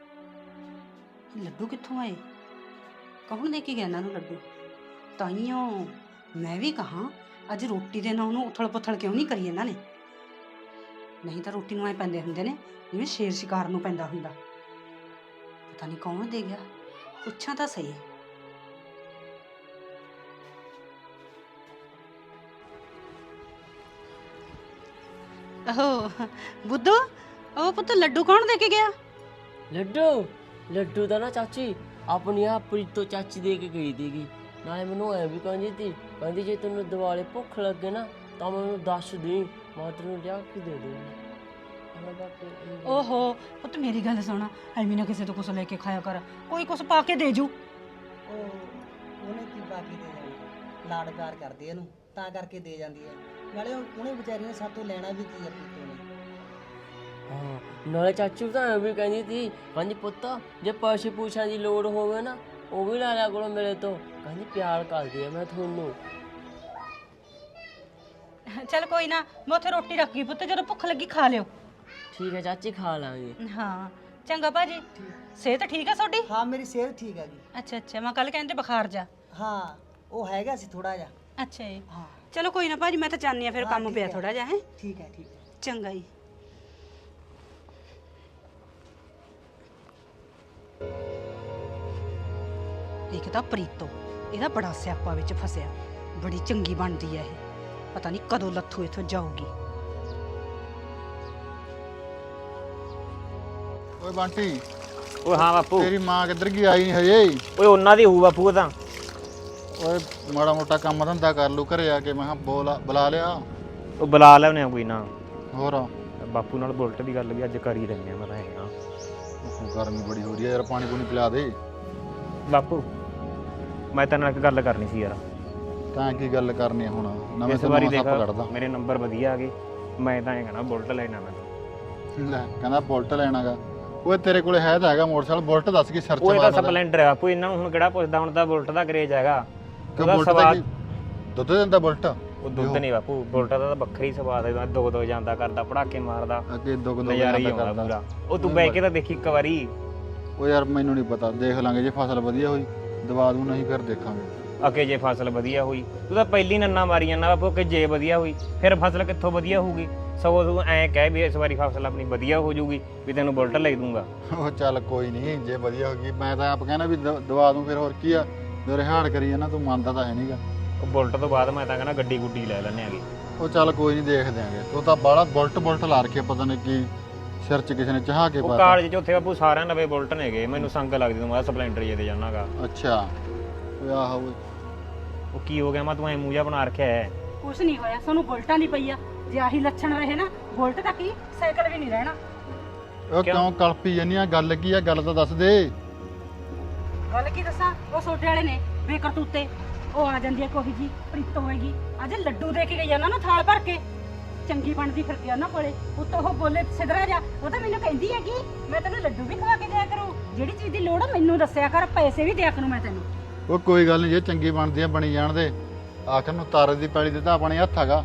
E: ਲੱਡੂ ਕਿੱਥੋਂ ਆਏ? ਕੌਣ ਦੇ ਕੇ ਗਿਆ ਇਹਨਾਂ ਨੂੰ ਲੱਡੂ? ਤਾਈਓ ਮੈਂ ਵੀ ਕਹਾਂ ਅੱਜ ਰੋਟੀ ਦੇ ਨਾਂ ਨੂੰ ਉਥਲ ਪੁਥਲ ਕਿਉਂ ਨਹੀਂ ਕਰੀ ਇਹਨਾਂ ਨੇ? ਨਹੀਂ ਤਾਂ ਰੋਟੀ ਨੂੰ ਐ ਪੈਂਦੇ ਹੁੰਦੇ ਨੇ ਜਿਵੇਂ ਸ਼ੇਰ ਸ਼ਿਕਾਰ ਨੂੰ ਪੈਂਦਾ ਹੁੰਦਾ। ਪਤਾ ਨਹੀਂ ਕੌਣ ਦੇ ਗਿਆ, ਪੁੱਛਾਂ ਤਾਂ ਸਹੀ। ਓਹ ਬੁੱਧੂ, ਉਹ ਪੁੱਤ ਲੱਡੂ ਕੌਣ ਦੇ ਕੇ ਗਿਆ?
C: ਲੱਡੂ ਤਾਂ ਨਾ ਚਾਚੀ ਆਪਣੀ ਆ ਪ੍ਰੀਤੋ ਚਾਚੀ ਦੇ ਕੇ ਗਈ ਸੀਗੀ। ਨਾਲੇ ਮੈਨੂੰ ਐ ਵੀ ਕਹਿੰਦੀ ਸੀ, ਕਹਿੰਦੀ ਜੇ ਤੈਨੂੰ ਦਿਵਾਲੇ ਭੁੱਖ ਲੱਗੇ ਨਾ ਤਾਂ ਮੈਨੂੰ ਦੱਸ ਦੇ, ਮੈਂ ਤੈਨੂੰ ਲਿਆ ਕੇ ਦੇ ਦੂੰਗੀ।
E: ਓਹੋ ਪੁੱਤ ਮੇਰੀ ਗੱਲ ਸੁਣ, ਐਵੇਂ ਨਾ ਕਿਸੇ ਤੋਂ ਕੁਛ ਲੈ ਕੇ ਖਾਇਆ ਕਰ, ਕੋਈ ਕੁਛ ਪਾ ਕੇ ਦੇ ਜੂ।
D: ਉਹਨੇ ਕੀ ਬਾਕੀ ਦੇ ਜਾਣਾ, ਲਾਡ ਪਿਆਰ ਕਰਦੇ ਇਹਨੂੰ ਤਾਂ ਕਰਕੇ ਦੇ ਜਾਂਦੀ ਹੈ। ਨਾਲੇ ਉਹਨੇ ਵਿਚਾਰੀ ਨੇ ਸਾਤੋਂ ਲੈਣਾ ਵੀ ਕੀ ਆ ਪ੍ਰੀਤੋ ਨੇ।
C: ਹਾਂ ਨਾਲੇ ਚਾਚੂ ਤਾਂ ਐ ਵੀ ਕਹਿੰਦੀ ਸੀ, ਕਹਿੰਦੀ ਪੁੱਤ ਜੇ ਪੈਸੇ ਪੂਛਾਂ ਦੀ ਲੋੜ ਹੋਵੇ ਨਾ ਉਹ ਵੀ ਲੈ ਲਿਆ ਕਰੋ ਮੇਰੇ ਤੋਂ, ਕਹਿੰਦੀ ਪਿਆਰ ਕਰਦੀ ਆ ਮੈਂ ਤੁਹਾਨੂੰ।
E: ਚੱਲ ਕੋਈ ਨਾ, ਮੈਂ ਉੱਥੇ ਰੋਟੀ ਰੱਖ ਗਈ ਪੁੱਤ, ਜਦੋਂ ਭੁੱਖ ਲੱਗੀ ਖਾ ਲਿਓ।
C: ਠੀਕ ਹੈ ਚਾਚੀ, ਖਾ ਲਾਂਗੇ।
E: ਹਾਂ ਚੰਗਾ ਭਾਜੀ, ਸਿਹਤ ਠੀਕ ਆ ਤੁਹਾਡੀ?
D: ਹਾਂ ਮੇਰੀ ਸਿਹਤ ਠੀਕ ਹੈਗੀ।
E: ਅੱਛਾ ਅੱਛਾ, ਮੈਂ ਕੱਲ ਕਹਿੰਦੇ ਬੁਖਾਰ ਜਾ।
D: ਹਾਂ ਉਹ ਹੈਗਾ ਸੀ ਥੋੜਾ ਜਿਹਾ।
E: ਅੱਛਾ ਜੀ,
D: ਹਾਂ
E: ਚਲੋ ਕੋਈ ਨਾ ਭਾਜੀ, ਮੈਂ ਤਾਂ ਜਾਣੀ ਆ ਫਿਰ, ਕੰਮ ਪਿਆ ਥੋੜਾ ਜਿਹਾ। ਹੈ
D: ਠੀਕ ਹੈ ਠੀਕ ਹੈ।
E: ਚੰਗਾ ਜੀ। ਇੱਕ ਤਾਂ ਪ੍ਰੀਤੋ, ਇਹਦਾ ਬੜਾ ਸਿਆਪਾ ਵਿੱਚ ਫਸਿਆ, ਬੜੀ ਚੰਗੀ ਬਣਦੀ ਹੈ ਇਹ, ਪਤਾ ਨਹੀਂ ਕਦੋਂ ਲੱਥੂ ਇੱਥੋਂ ਜਾਊਗੀ।
F: ਓਏ ਬੰਟੀ
B: ਓਏ ਹਾਂ ਬਾਪੂ
F: ਤੇਰੀ ਮਾਂ ਕਿੱਧਰ ਗਈ, ਆਈ ਨਹੀਂ ਹਜੇ?
B: ਓਏ ਉਹਨਾਂ ਦੀ ਹੋਊ ਬਾਪੂ ਉਹ ਤਾਂ।
F: ਓਏ ਮਾੜਾ ਮੋਟਾ ਕੰਮ ਧੰਦਾ ਕਰ ਲੂ ਘਰੇ ਆ ਕੇ, ਮੈਂ ਕਿਹਾ ਬੁਲਾ ਲਿਆ।
B: ਉਹ ਬੁਲਾ ਲੈਣੇ ਆ ਕੋਈ ਨਾ।
F: ਹੋਰ
B: ਬਾਪੂ ਨਾਲ ਬੁਲਟ ਦੀ ਗੱਲ ਵੀ ਅੱਜ ਕਰ ਹੀ ਰਹੇ ਆ ਮੈਂ ਤਾਂ ਇਹ ਨਾ।
F: ਗਰਮੀ ਬੜੀ ਹੋ ਰਹੀ ਹੈ ਯਾਰ, ਪਾਣੀ ਪੂਣੀ ਪਿਲਾ ਦੇ।
B: ਬਾਪੂ ਮੈਂ ਤੇਰੇ ਨਾਲ ਇੱਕ ਗੱਲ ਕਰਨੀ ਸੀ ਯਾਰ।
F: ਤਾਂ ਕੀ ਗੱਲ ਕਰਨੀ ਹੁਣ, ਨਵੇਂ
B: ਇਸ ਵਾਰੀ
F: ਸੱਪ
B: ਦੇਖ
F: ਕੱਢਦਾ।
B: ਮੇਰੇ ਨੰਬਰ ਵਧੀਆ ਆ ਗਏ, ਮੈਂ ਤਾਂ ਇਹ ਕਹਿਣਾ ਬੁਲਟ ਲੈਣਾ ਮੈਂ।
F: ਲੈ ਕਹਿੰਦਾ ਬੁਲਟ ਲੈਣਾਗਾ। ਓਏ ਤੇਰੇ ਕੋਲੇ ਹੈ ਤਾਂ ਹੈਗਾ ਮੋਟਰਸਾਈਕਲ, ਬੁਲਟ ਦੱਸ ਕੀ ਸਰਚ
B: ਉਹ ਤਾਂ
F: ਮਾਰਦਾ?
B: ਸਪਲੈਂਡਰ ਆ ਬਾਪੂ, ਇਹਨਾਂ ਨੂੰ ਹੁਣ ਕਿਹੜਾ ਪੁੱਛਦਾ, ਹੁਣ ਤਾਂ ਬੁਲਟ ਦਾ ਕਰੇਜ ਹੈਗਾ। ਉਹਦਾ
F: ਬੁਲਟ ਦਾ
B: ਸਵਾਦ
F: ਕੀ ਦੁੱਧ ਦਿੰਦਾ ਬੁਲਟ?
B: ਉਹ ਦੁੱਧ ਨਹੀਂ ਬਾਪੂ, ਬੁਲਟ ਦਾ ਤਾਂ ਵੱਖਰੀ ਸਵਾਦ ਹੈ। ਦੋ ਜਾਂਦਾ ਕਰਦਾ, ਪੜਾਕੇ ਮਾਰਦਾ,
F: ਅੱਗੇ ਦੋ
B: ਨਜ਼ਾਰਾ ਹੀ ਆਉਂਦਾ ਪੂਰਾ। ਉਹ ਤੂੰ ਬਹਿ ਕੇ ਤਾਂ ਦੇਖੀ ਇੱਕ ਵਾਰੀ।
F: ਓ ਯਾਰ ਮੈਨੂੰ ਨਹੀਂ ਪਤਾ, ਦੇਖ ਲਾਂਗੇ ਜੇ ਫਸਲ ਵਧੀਆ ਹੋਈ ਦਵਾ ਦੂ, ਨਹੀਂ ਫਿਰ ਦੇਖਾਂਗੇ।
B: ਅਕੇ ਜੇ ਫਸਲ ਵਧੀਆ ਹੋਈ, ਤੂੰ ਤਾਂ ਪਹਿਲੀ ਨੰਨਾ ਮਾਰੀ ਜਾਂਦਾ ਬਾਪੂ ਕਿ ਜੇ ਵਧੀਆ ਹੋਈ, ਫਿਰ ਫਸਲ ਕਿੱਥੋਂ ਵਧੀਆ ਹੋਊਗੀ? ਸਗੋਂ ਤੂੰ ਐਂ ਕਹਿ ਵੀ ਇਸ ਵਾਰੀ ਫਸਲ ਆਪਣੀ ਵਧੀਆ ਹੋ ਜਾਊਗੀ ਵੀ ਤੈਨੂੰ ਬੁਲਟ ਲੈ ਦੂੰਗਾ।
F: ਉਹ ਚੱਲ ਕੋਈ ਨਹੀਂ, ਜੇ ਵਧੀਆ ਹੋ ਗਈ ਮੈਂ ਤਾਂ ਆਪ ਕਹਿੰਦਾ ਵੀ ਦਵਾ ਦੂੰ, ਫਿਰ ਹੋਰ ਕੀ ਆ, ਜੋ ਰਿਹਾੜ ਕਰੀ ਜਾਂਦਾ ਤੂੰ ਮੰਨਦਾ ਤਾਂ ਹੈ ਨਹੀਂਗਾ।
B: ਉਹ ਬੁਲਟ ਤੋਂ ਬਾਅਦ ਮੈਂ ਤਾਂ ਕਹਿੰਦਾ ਗੱਡੀ ਗੁੱਡੀ ਲੈ ਲੈਣੇ ਆਗੇ।
F: ਉਹ ਚੱਲ ਕੋਈ ਨਹੀਂ ਦੇਖ ਦਿਆਂਗੇ, ਤੂੰ ਤਾਂ ਬਾਹਲਾ ਬੁਲਟ ਲਾ ਰੱਖਿਆ, ਪਤਾ ਨਹੀਂ ਕੀ ਸਿਰ 'ਚ ਕਿਸੇ ਨੇ ਚਾਹ ਕੇ
B: ਉਹ
F: ਪਾਤਾ।
B: ਕਾਲਜ 'ਚ ਉੱਥੇ ਬਾਪੂ ਸਾਰਿਆਂ ਨਵੇਂ ਬੁਲਟ ਨੇਗੇ, ਮੈਨੂੰ ਸੰਗ ਲੱਗਦੀ ਤੂੰ ਮੈਂ ਸਪਲੈਂਡਰ ਜੇ ਤੇ ਜਾਣਾਗਾ।
F: ਅੱਛਾ ਓਏ ਆਹੋ ਓਏ,
B: ਉਹ ਕੀ ਹੋ ਗਿਆ ਮੈਂ ਤੂੰ ਐ ਮੂੰਹ ਜਿਹਾ ਬਣਾ ਰੱਖਿਆ ਹੈ।
E: ਕੁਛ ਨਹੀਂ ਹੋਇਆ, ਸਾਨੂੰ ਬੁਲਟਾਂ ਦੀ ਪਈ ਆ। ਜੇ ਆਹੀ ਲੱਛਣ ਰਹੇ ਨਾ, ਬੁਲਟ ਤਾਂ ਕੀ ਸਾਈਕਲ ਵੀ ਨਹੀਂ ਰਹਿਣਾ।
F: ਉਹ ਕਿਉਂ ਕਲਪੀ ਜਾਨੀ ਆ? ਗੱਲ ਕੀ ਆ, ਗੱਲ ਤਾਂ ਦੱਸ ਦੇ।
E: ਗੱਲ ਕੀ ਦੱਸਾਂ, ਉਹ ਛੋਟੇ ਵਾਲੇ ਨੇ ਬੇਕਰਤੂਤੇ। ਉਹ ਆ ਜਾਂਦੀ ਹੈ ਕੋਈ ਜੀ ਪ੍ਰੀਤ ਹੋਏਗੀ, ਅੱਜ ਲੱਡੂ ਦੇ ਕੇ ਗਈ ਉਹਨਾਂ ਨੂੰ ਥਾਲ ਭਰ ਕੇ, ਚੰਗੀ ਬਣਦੀ ਫਿਰਦੀ ਆ ਉਹਨਾਂ ਕੋਲੇ। ਉੱਤੋਂ ਉਹ ਬੋਲੇ ਸਿਧਰਾ ਜਾ, ਉਹ ਤਾਂ ਮੈਨੂੰ ਕਹਿੰਦੀ ਹੈ ਕਿ ਮੈਂ ਤੈਨੂੰ ਲੱਡੂ ਵੀ ਖਵਾ ਕੇ ਦਿਆ ਕਰੂੰ, ਜਿਹੜੀ ਚੀਜ਼ ਦੀ ਲੋੜ ਆ ਮੈਨੂੰ ਦੱਸਿਆ ਕਰ, ਪੈਸੇ ਵੀ ਦਿਆ ਕਰੂੰ ਮੈਂ ਤੈਨੂੰ।
F: ਉਹ ਕੋਈ ਗੱਲ ਨਹੀਂ, ਜੇ ਚੰਗੀ ਬਣਦੀ ਆ ਬਣੀ ਜਾਣ ਦੇ, ਆਖਰ ਨੂੰ ਤਾਰੇ ਦੀ ਪੈਲੀ ਦੇ ਤਾਂ ਆਪਣੇ ਹੱਥ ਹੈਗਾ।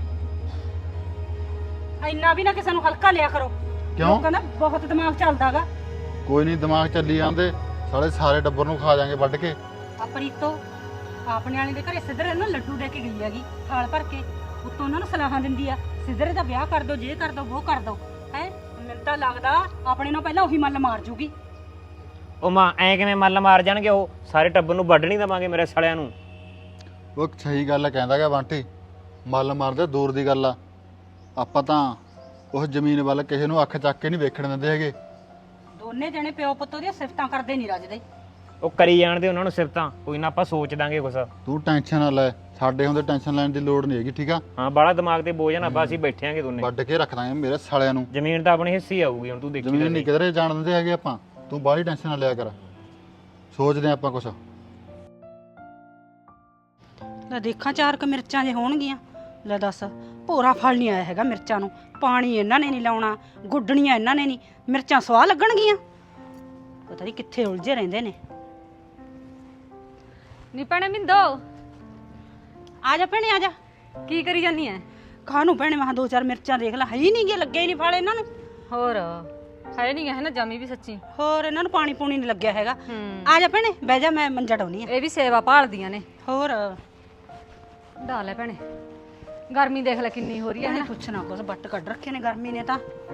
E: ਇੰਨਾ ਵੀ ਨਾ ਕਿਸੇ ਨੂੰ ਹਲਕਾ ਲਿਆ ਕਰੋ।
F: ਕਿਉਂ?
E: ਲੋਕਾਂ ਦਾ ਬਹੁਤ ਦਿਮਾਗ ਚੱਲਦਾਗਾ।
F: ਕੋਈ ਨਹੀਂ, ਦਿਮਾਗ ਚੱਲੀ ਜਾਂਦੇ, ਸਾਰੇ ਟੱਬਰ ਨੂੰ ਖਾ ਜਾਾਂਗੇ ਵੱਢ ਕੇ।
E: ਆ ਪ੍ਰੀਤੋ ਆਪਣੇ ਵਾਲੇ ਦੇ ਘਰੇ ਸਿੱਧਰੇ ਨੂੰ ਲੱਡੂ ਦੇ ਕੇ ਗਈ ਹੈਗੀ ਥਾਲ ਭਰ ਕੇ, ਉੱਤੋਂ ਉਹਨਾਂ ਨੂੰ ਸਲਾਹਾਂ ਦਿੰਦੀ ਆ ਸਿੱਧਰੇ ਦਾ ਵਿਆਹ ਕਰ ਦੋ, ਜੇ ਕਰ ਦੋ ਉਹ ਕਰ ਦੋ। ਹੈ ਮੈਨੂੰ ਤਾਂ ਲੱਗਦਾ ਆਪਣੇ ਨਾਲ ਪਹਿਲਾਂ ਉਹੀ ਮੱਲ ਮਾਰ ਜੂਗੀ।
B: ਉਹ ਮਾਂ ਐ ਕਿਵੇਂ ਮੱਲ ਮਾਰ ਜਾਣਗੇ? ਉਹ ਸਾਰੇ ਟੱਬਰ ਨੂੰ ਵੱਢ ਨਹੀਂ ਦੇਵਾਂਗੇ ਮੇਰੇ ਸਾਲਿਆਂ ਨੂੰ।
F: ਉਹ ਸਹੀ ਗੱਲ ਕਹਿੰਦਾ ਗਾ ਬੰਟੀ, ਮੱਲ ਮਾਰਦੇ ਦੂਰ ਦੀ ਗੱਲ ਆ। ਆਪਾਂ ਤਾਂ ਉਹ ਜ਼ਮੀਨ ਵੱਲ ਕਿਸੇ ਨੂੰ ਅੱਖ ਚੱਕ ਕੇ ਨਹੀਂ ਵੇਖਣ ਦਿੰਦੇ ਹੈਗੇ।
E: ਦੋਨੇ ਜਣੇ ਪਿਓ ਪੁੱਤ ਦੀਆਂ ਸਿਫਤਾਂ ਕਰਦੇ ਨਹੀਂ ਰੱਜਦੇ।
B: ਉਹ ਕਰੀ ਜਾਣਦੇ ਉਹਨਾਂ ਨੂੰ ਸਿਫਤਾਂ, ਕੋਈ ਨਾ ਆਪਾਂ ਸੋਚ ਦਾਂਗੇ ਕੁਛ।
F: ਤੂੰ ਟੈਨਸ਼ਨ ਨਾ ਲੈ, ਸਾਡੇ ਹੁੰਦੇ ਟੈਨਸ਼ਨ ਲੈਣ ਦੀ ਲੋੜ ਨਹੀਂ ਹੈਗੀ, ਠੀਕ ਆ?
B: ਹਾਂ ਬਾਹਲਾ ਦਿਮਾਗ ਤੇ ਬੋਝ ਨਾ ਬਾ, ਅਸੀਂ ਬੈਠਿਆਂਗੇ ਦੋਨੇ।
F: ਵੱਢ ਕੇ ਰੱਖ ਦਾਂਗੇ ਮੇਰੇ ਸਾਲਿਆਂ ਨੂੰ।
B: ਜ਼ਮੀਨ ਤਾਂ ਆਪਣੀ ਹਿੱਸੀ ਆਊਗੀ, ਹੁਣ ਤੂੰ ਦੇਖੀ
F: ਜ਼ਮੀਨ ਨਹੀਂ ਕਿਧਰੇ ਜਾਣ ਦਿੰਦੇ ਹੈਗੇ ਆਪਾਂ, ਤੂੰ ਬਾਹਲੀ ਟੈਨਸ਼ਨ ਨਾ ਲਿਆ ਕਰ, ਸੋਚਦੇ ਆ ਆਪਾਂ ਕੁਛ।
E: ਲੈ ਦੇਖਾਂ 4 ਕ ਮਿਰਚਾਂ ਜੇ ਹੋਣਗੀਆਂ। ਲੈ ਦੱਸ, ਭੋਰਾ ਫਲ ਨਹੀਂ ਆਇਆ ਹੈਗਾ ਮਿਰਚਾਂ ਨੂੰ, ਪਾਣੀ ਇਹਨਾਂ ਨੇ ਨਹੀਂ ਲਾਉਣਾ, ਗੁੱਡਣੀਆਂ ਇਹਨਾਂ ਨੇ ਨਹੀਂ, ਮਿਰਚਾਂ ਸਵਾਹ ਲੱਗਣਗੀਆਂ। ਪਤਾ ਨਹੀਂ ਕਿੱਥੇ ਉਲਝੇ ਰਹਿੰਦੇ ਨੇ।
A: ਨੀ ਭੈਣੇ ਮਿੰਦੋ,
E: ਆ ਜਾ ਭੈਣੇ ਆ ਜਾ।
A: ਕੀ ਕਰੀ ਜਾਨੀ ਐ?
E: ਖਾਣੂ ਭੈਣੇ ਮੈਂ 2-4 ਮਿਰਚਾਂ ਦੇਖ ਲੈ, ਹੈ ਹੀ ਨਹੀਂ ਗੇ, ਲੱਗੇ ਹੀ ਨਹੀਂ ਫਲ ਇਹਨਾਂ ਨੂੰ।
A: ਹੋਰ ਹੈ ਨਹੀਂ ਹੈ ਨਾ, ਜਮੀ ਵੀ ਸੱਚੀ।
E: ਹੋਰ ਇਹਨਾਂ ਨੂੰ ਪਾਣੀ ਪੂਣੀ ਨਹੀਂ ਲੱਗਿਆ ਹੈਗਾ।
A: ਹੂੰ
E: ਆ ਜਾ ਭੈਣੇ ਬਹਿ ਜਾ, ਮੈਂ ਮੰਜਾ ਡਾਉਣੀ ਆ।
A: ਇਹ ਵੀ ਸੇਵਾ ਭਾਲਦੀਆਂ ਨੇ।
E: ਹੋਰ
A: ਢਾ ਲੈ ਭੈਣੇ, ਗਰਮੀ ਦੇਖ ਲੈ ਕਿੰਨੀ ਹੋ ਰਹੀ ਹੈ
E: ਭੈਣੇ
A: ਨਾ।
E: ਪੁੱਛਣਾ ਕੁਛ, ਬੱਟ ਕੱਢ ਰੱਖੇ ਨੇ ਗਰਮੀ ਨੇ ਤਾਂ।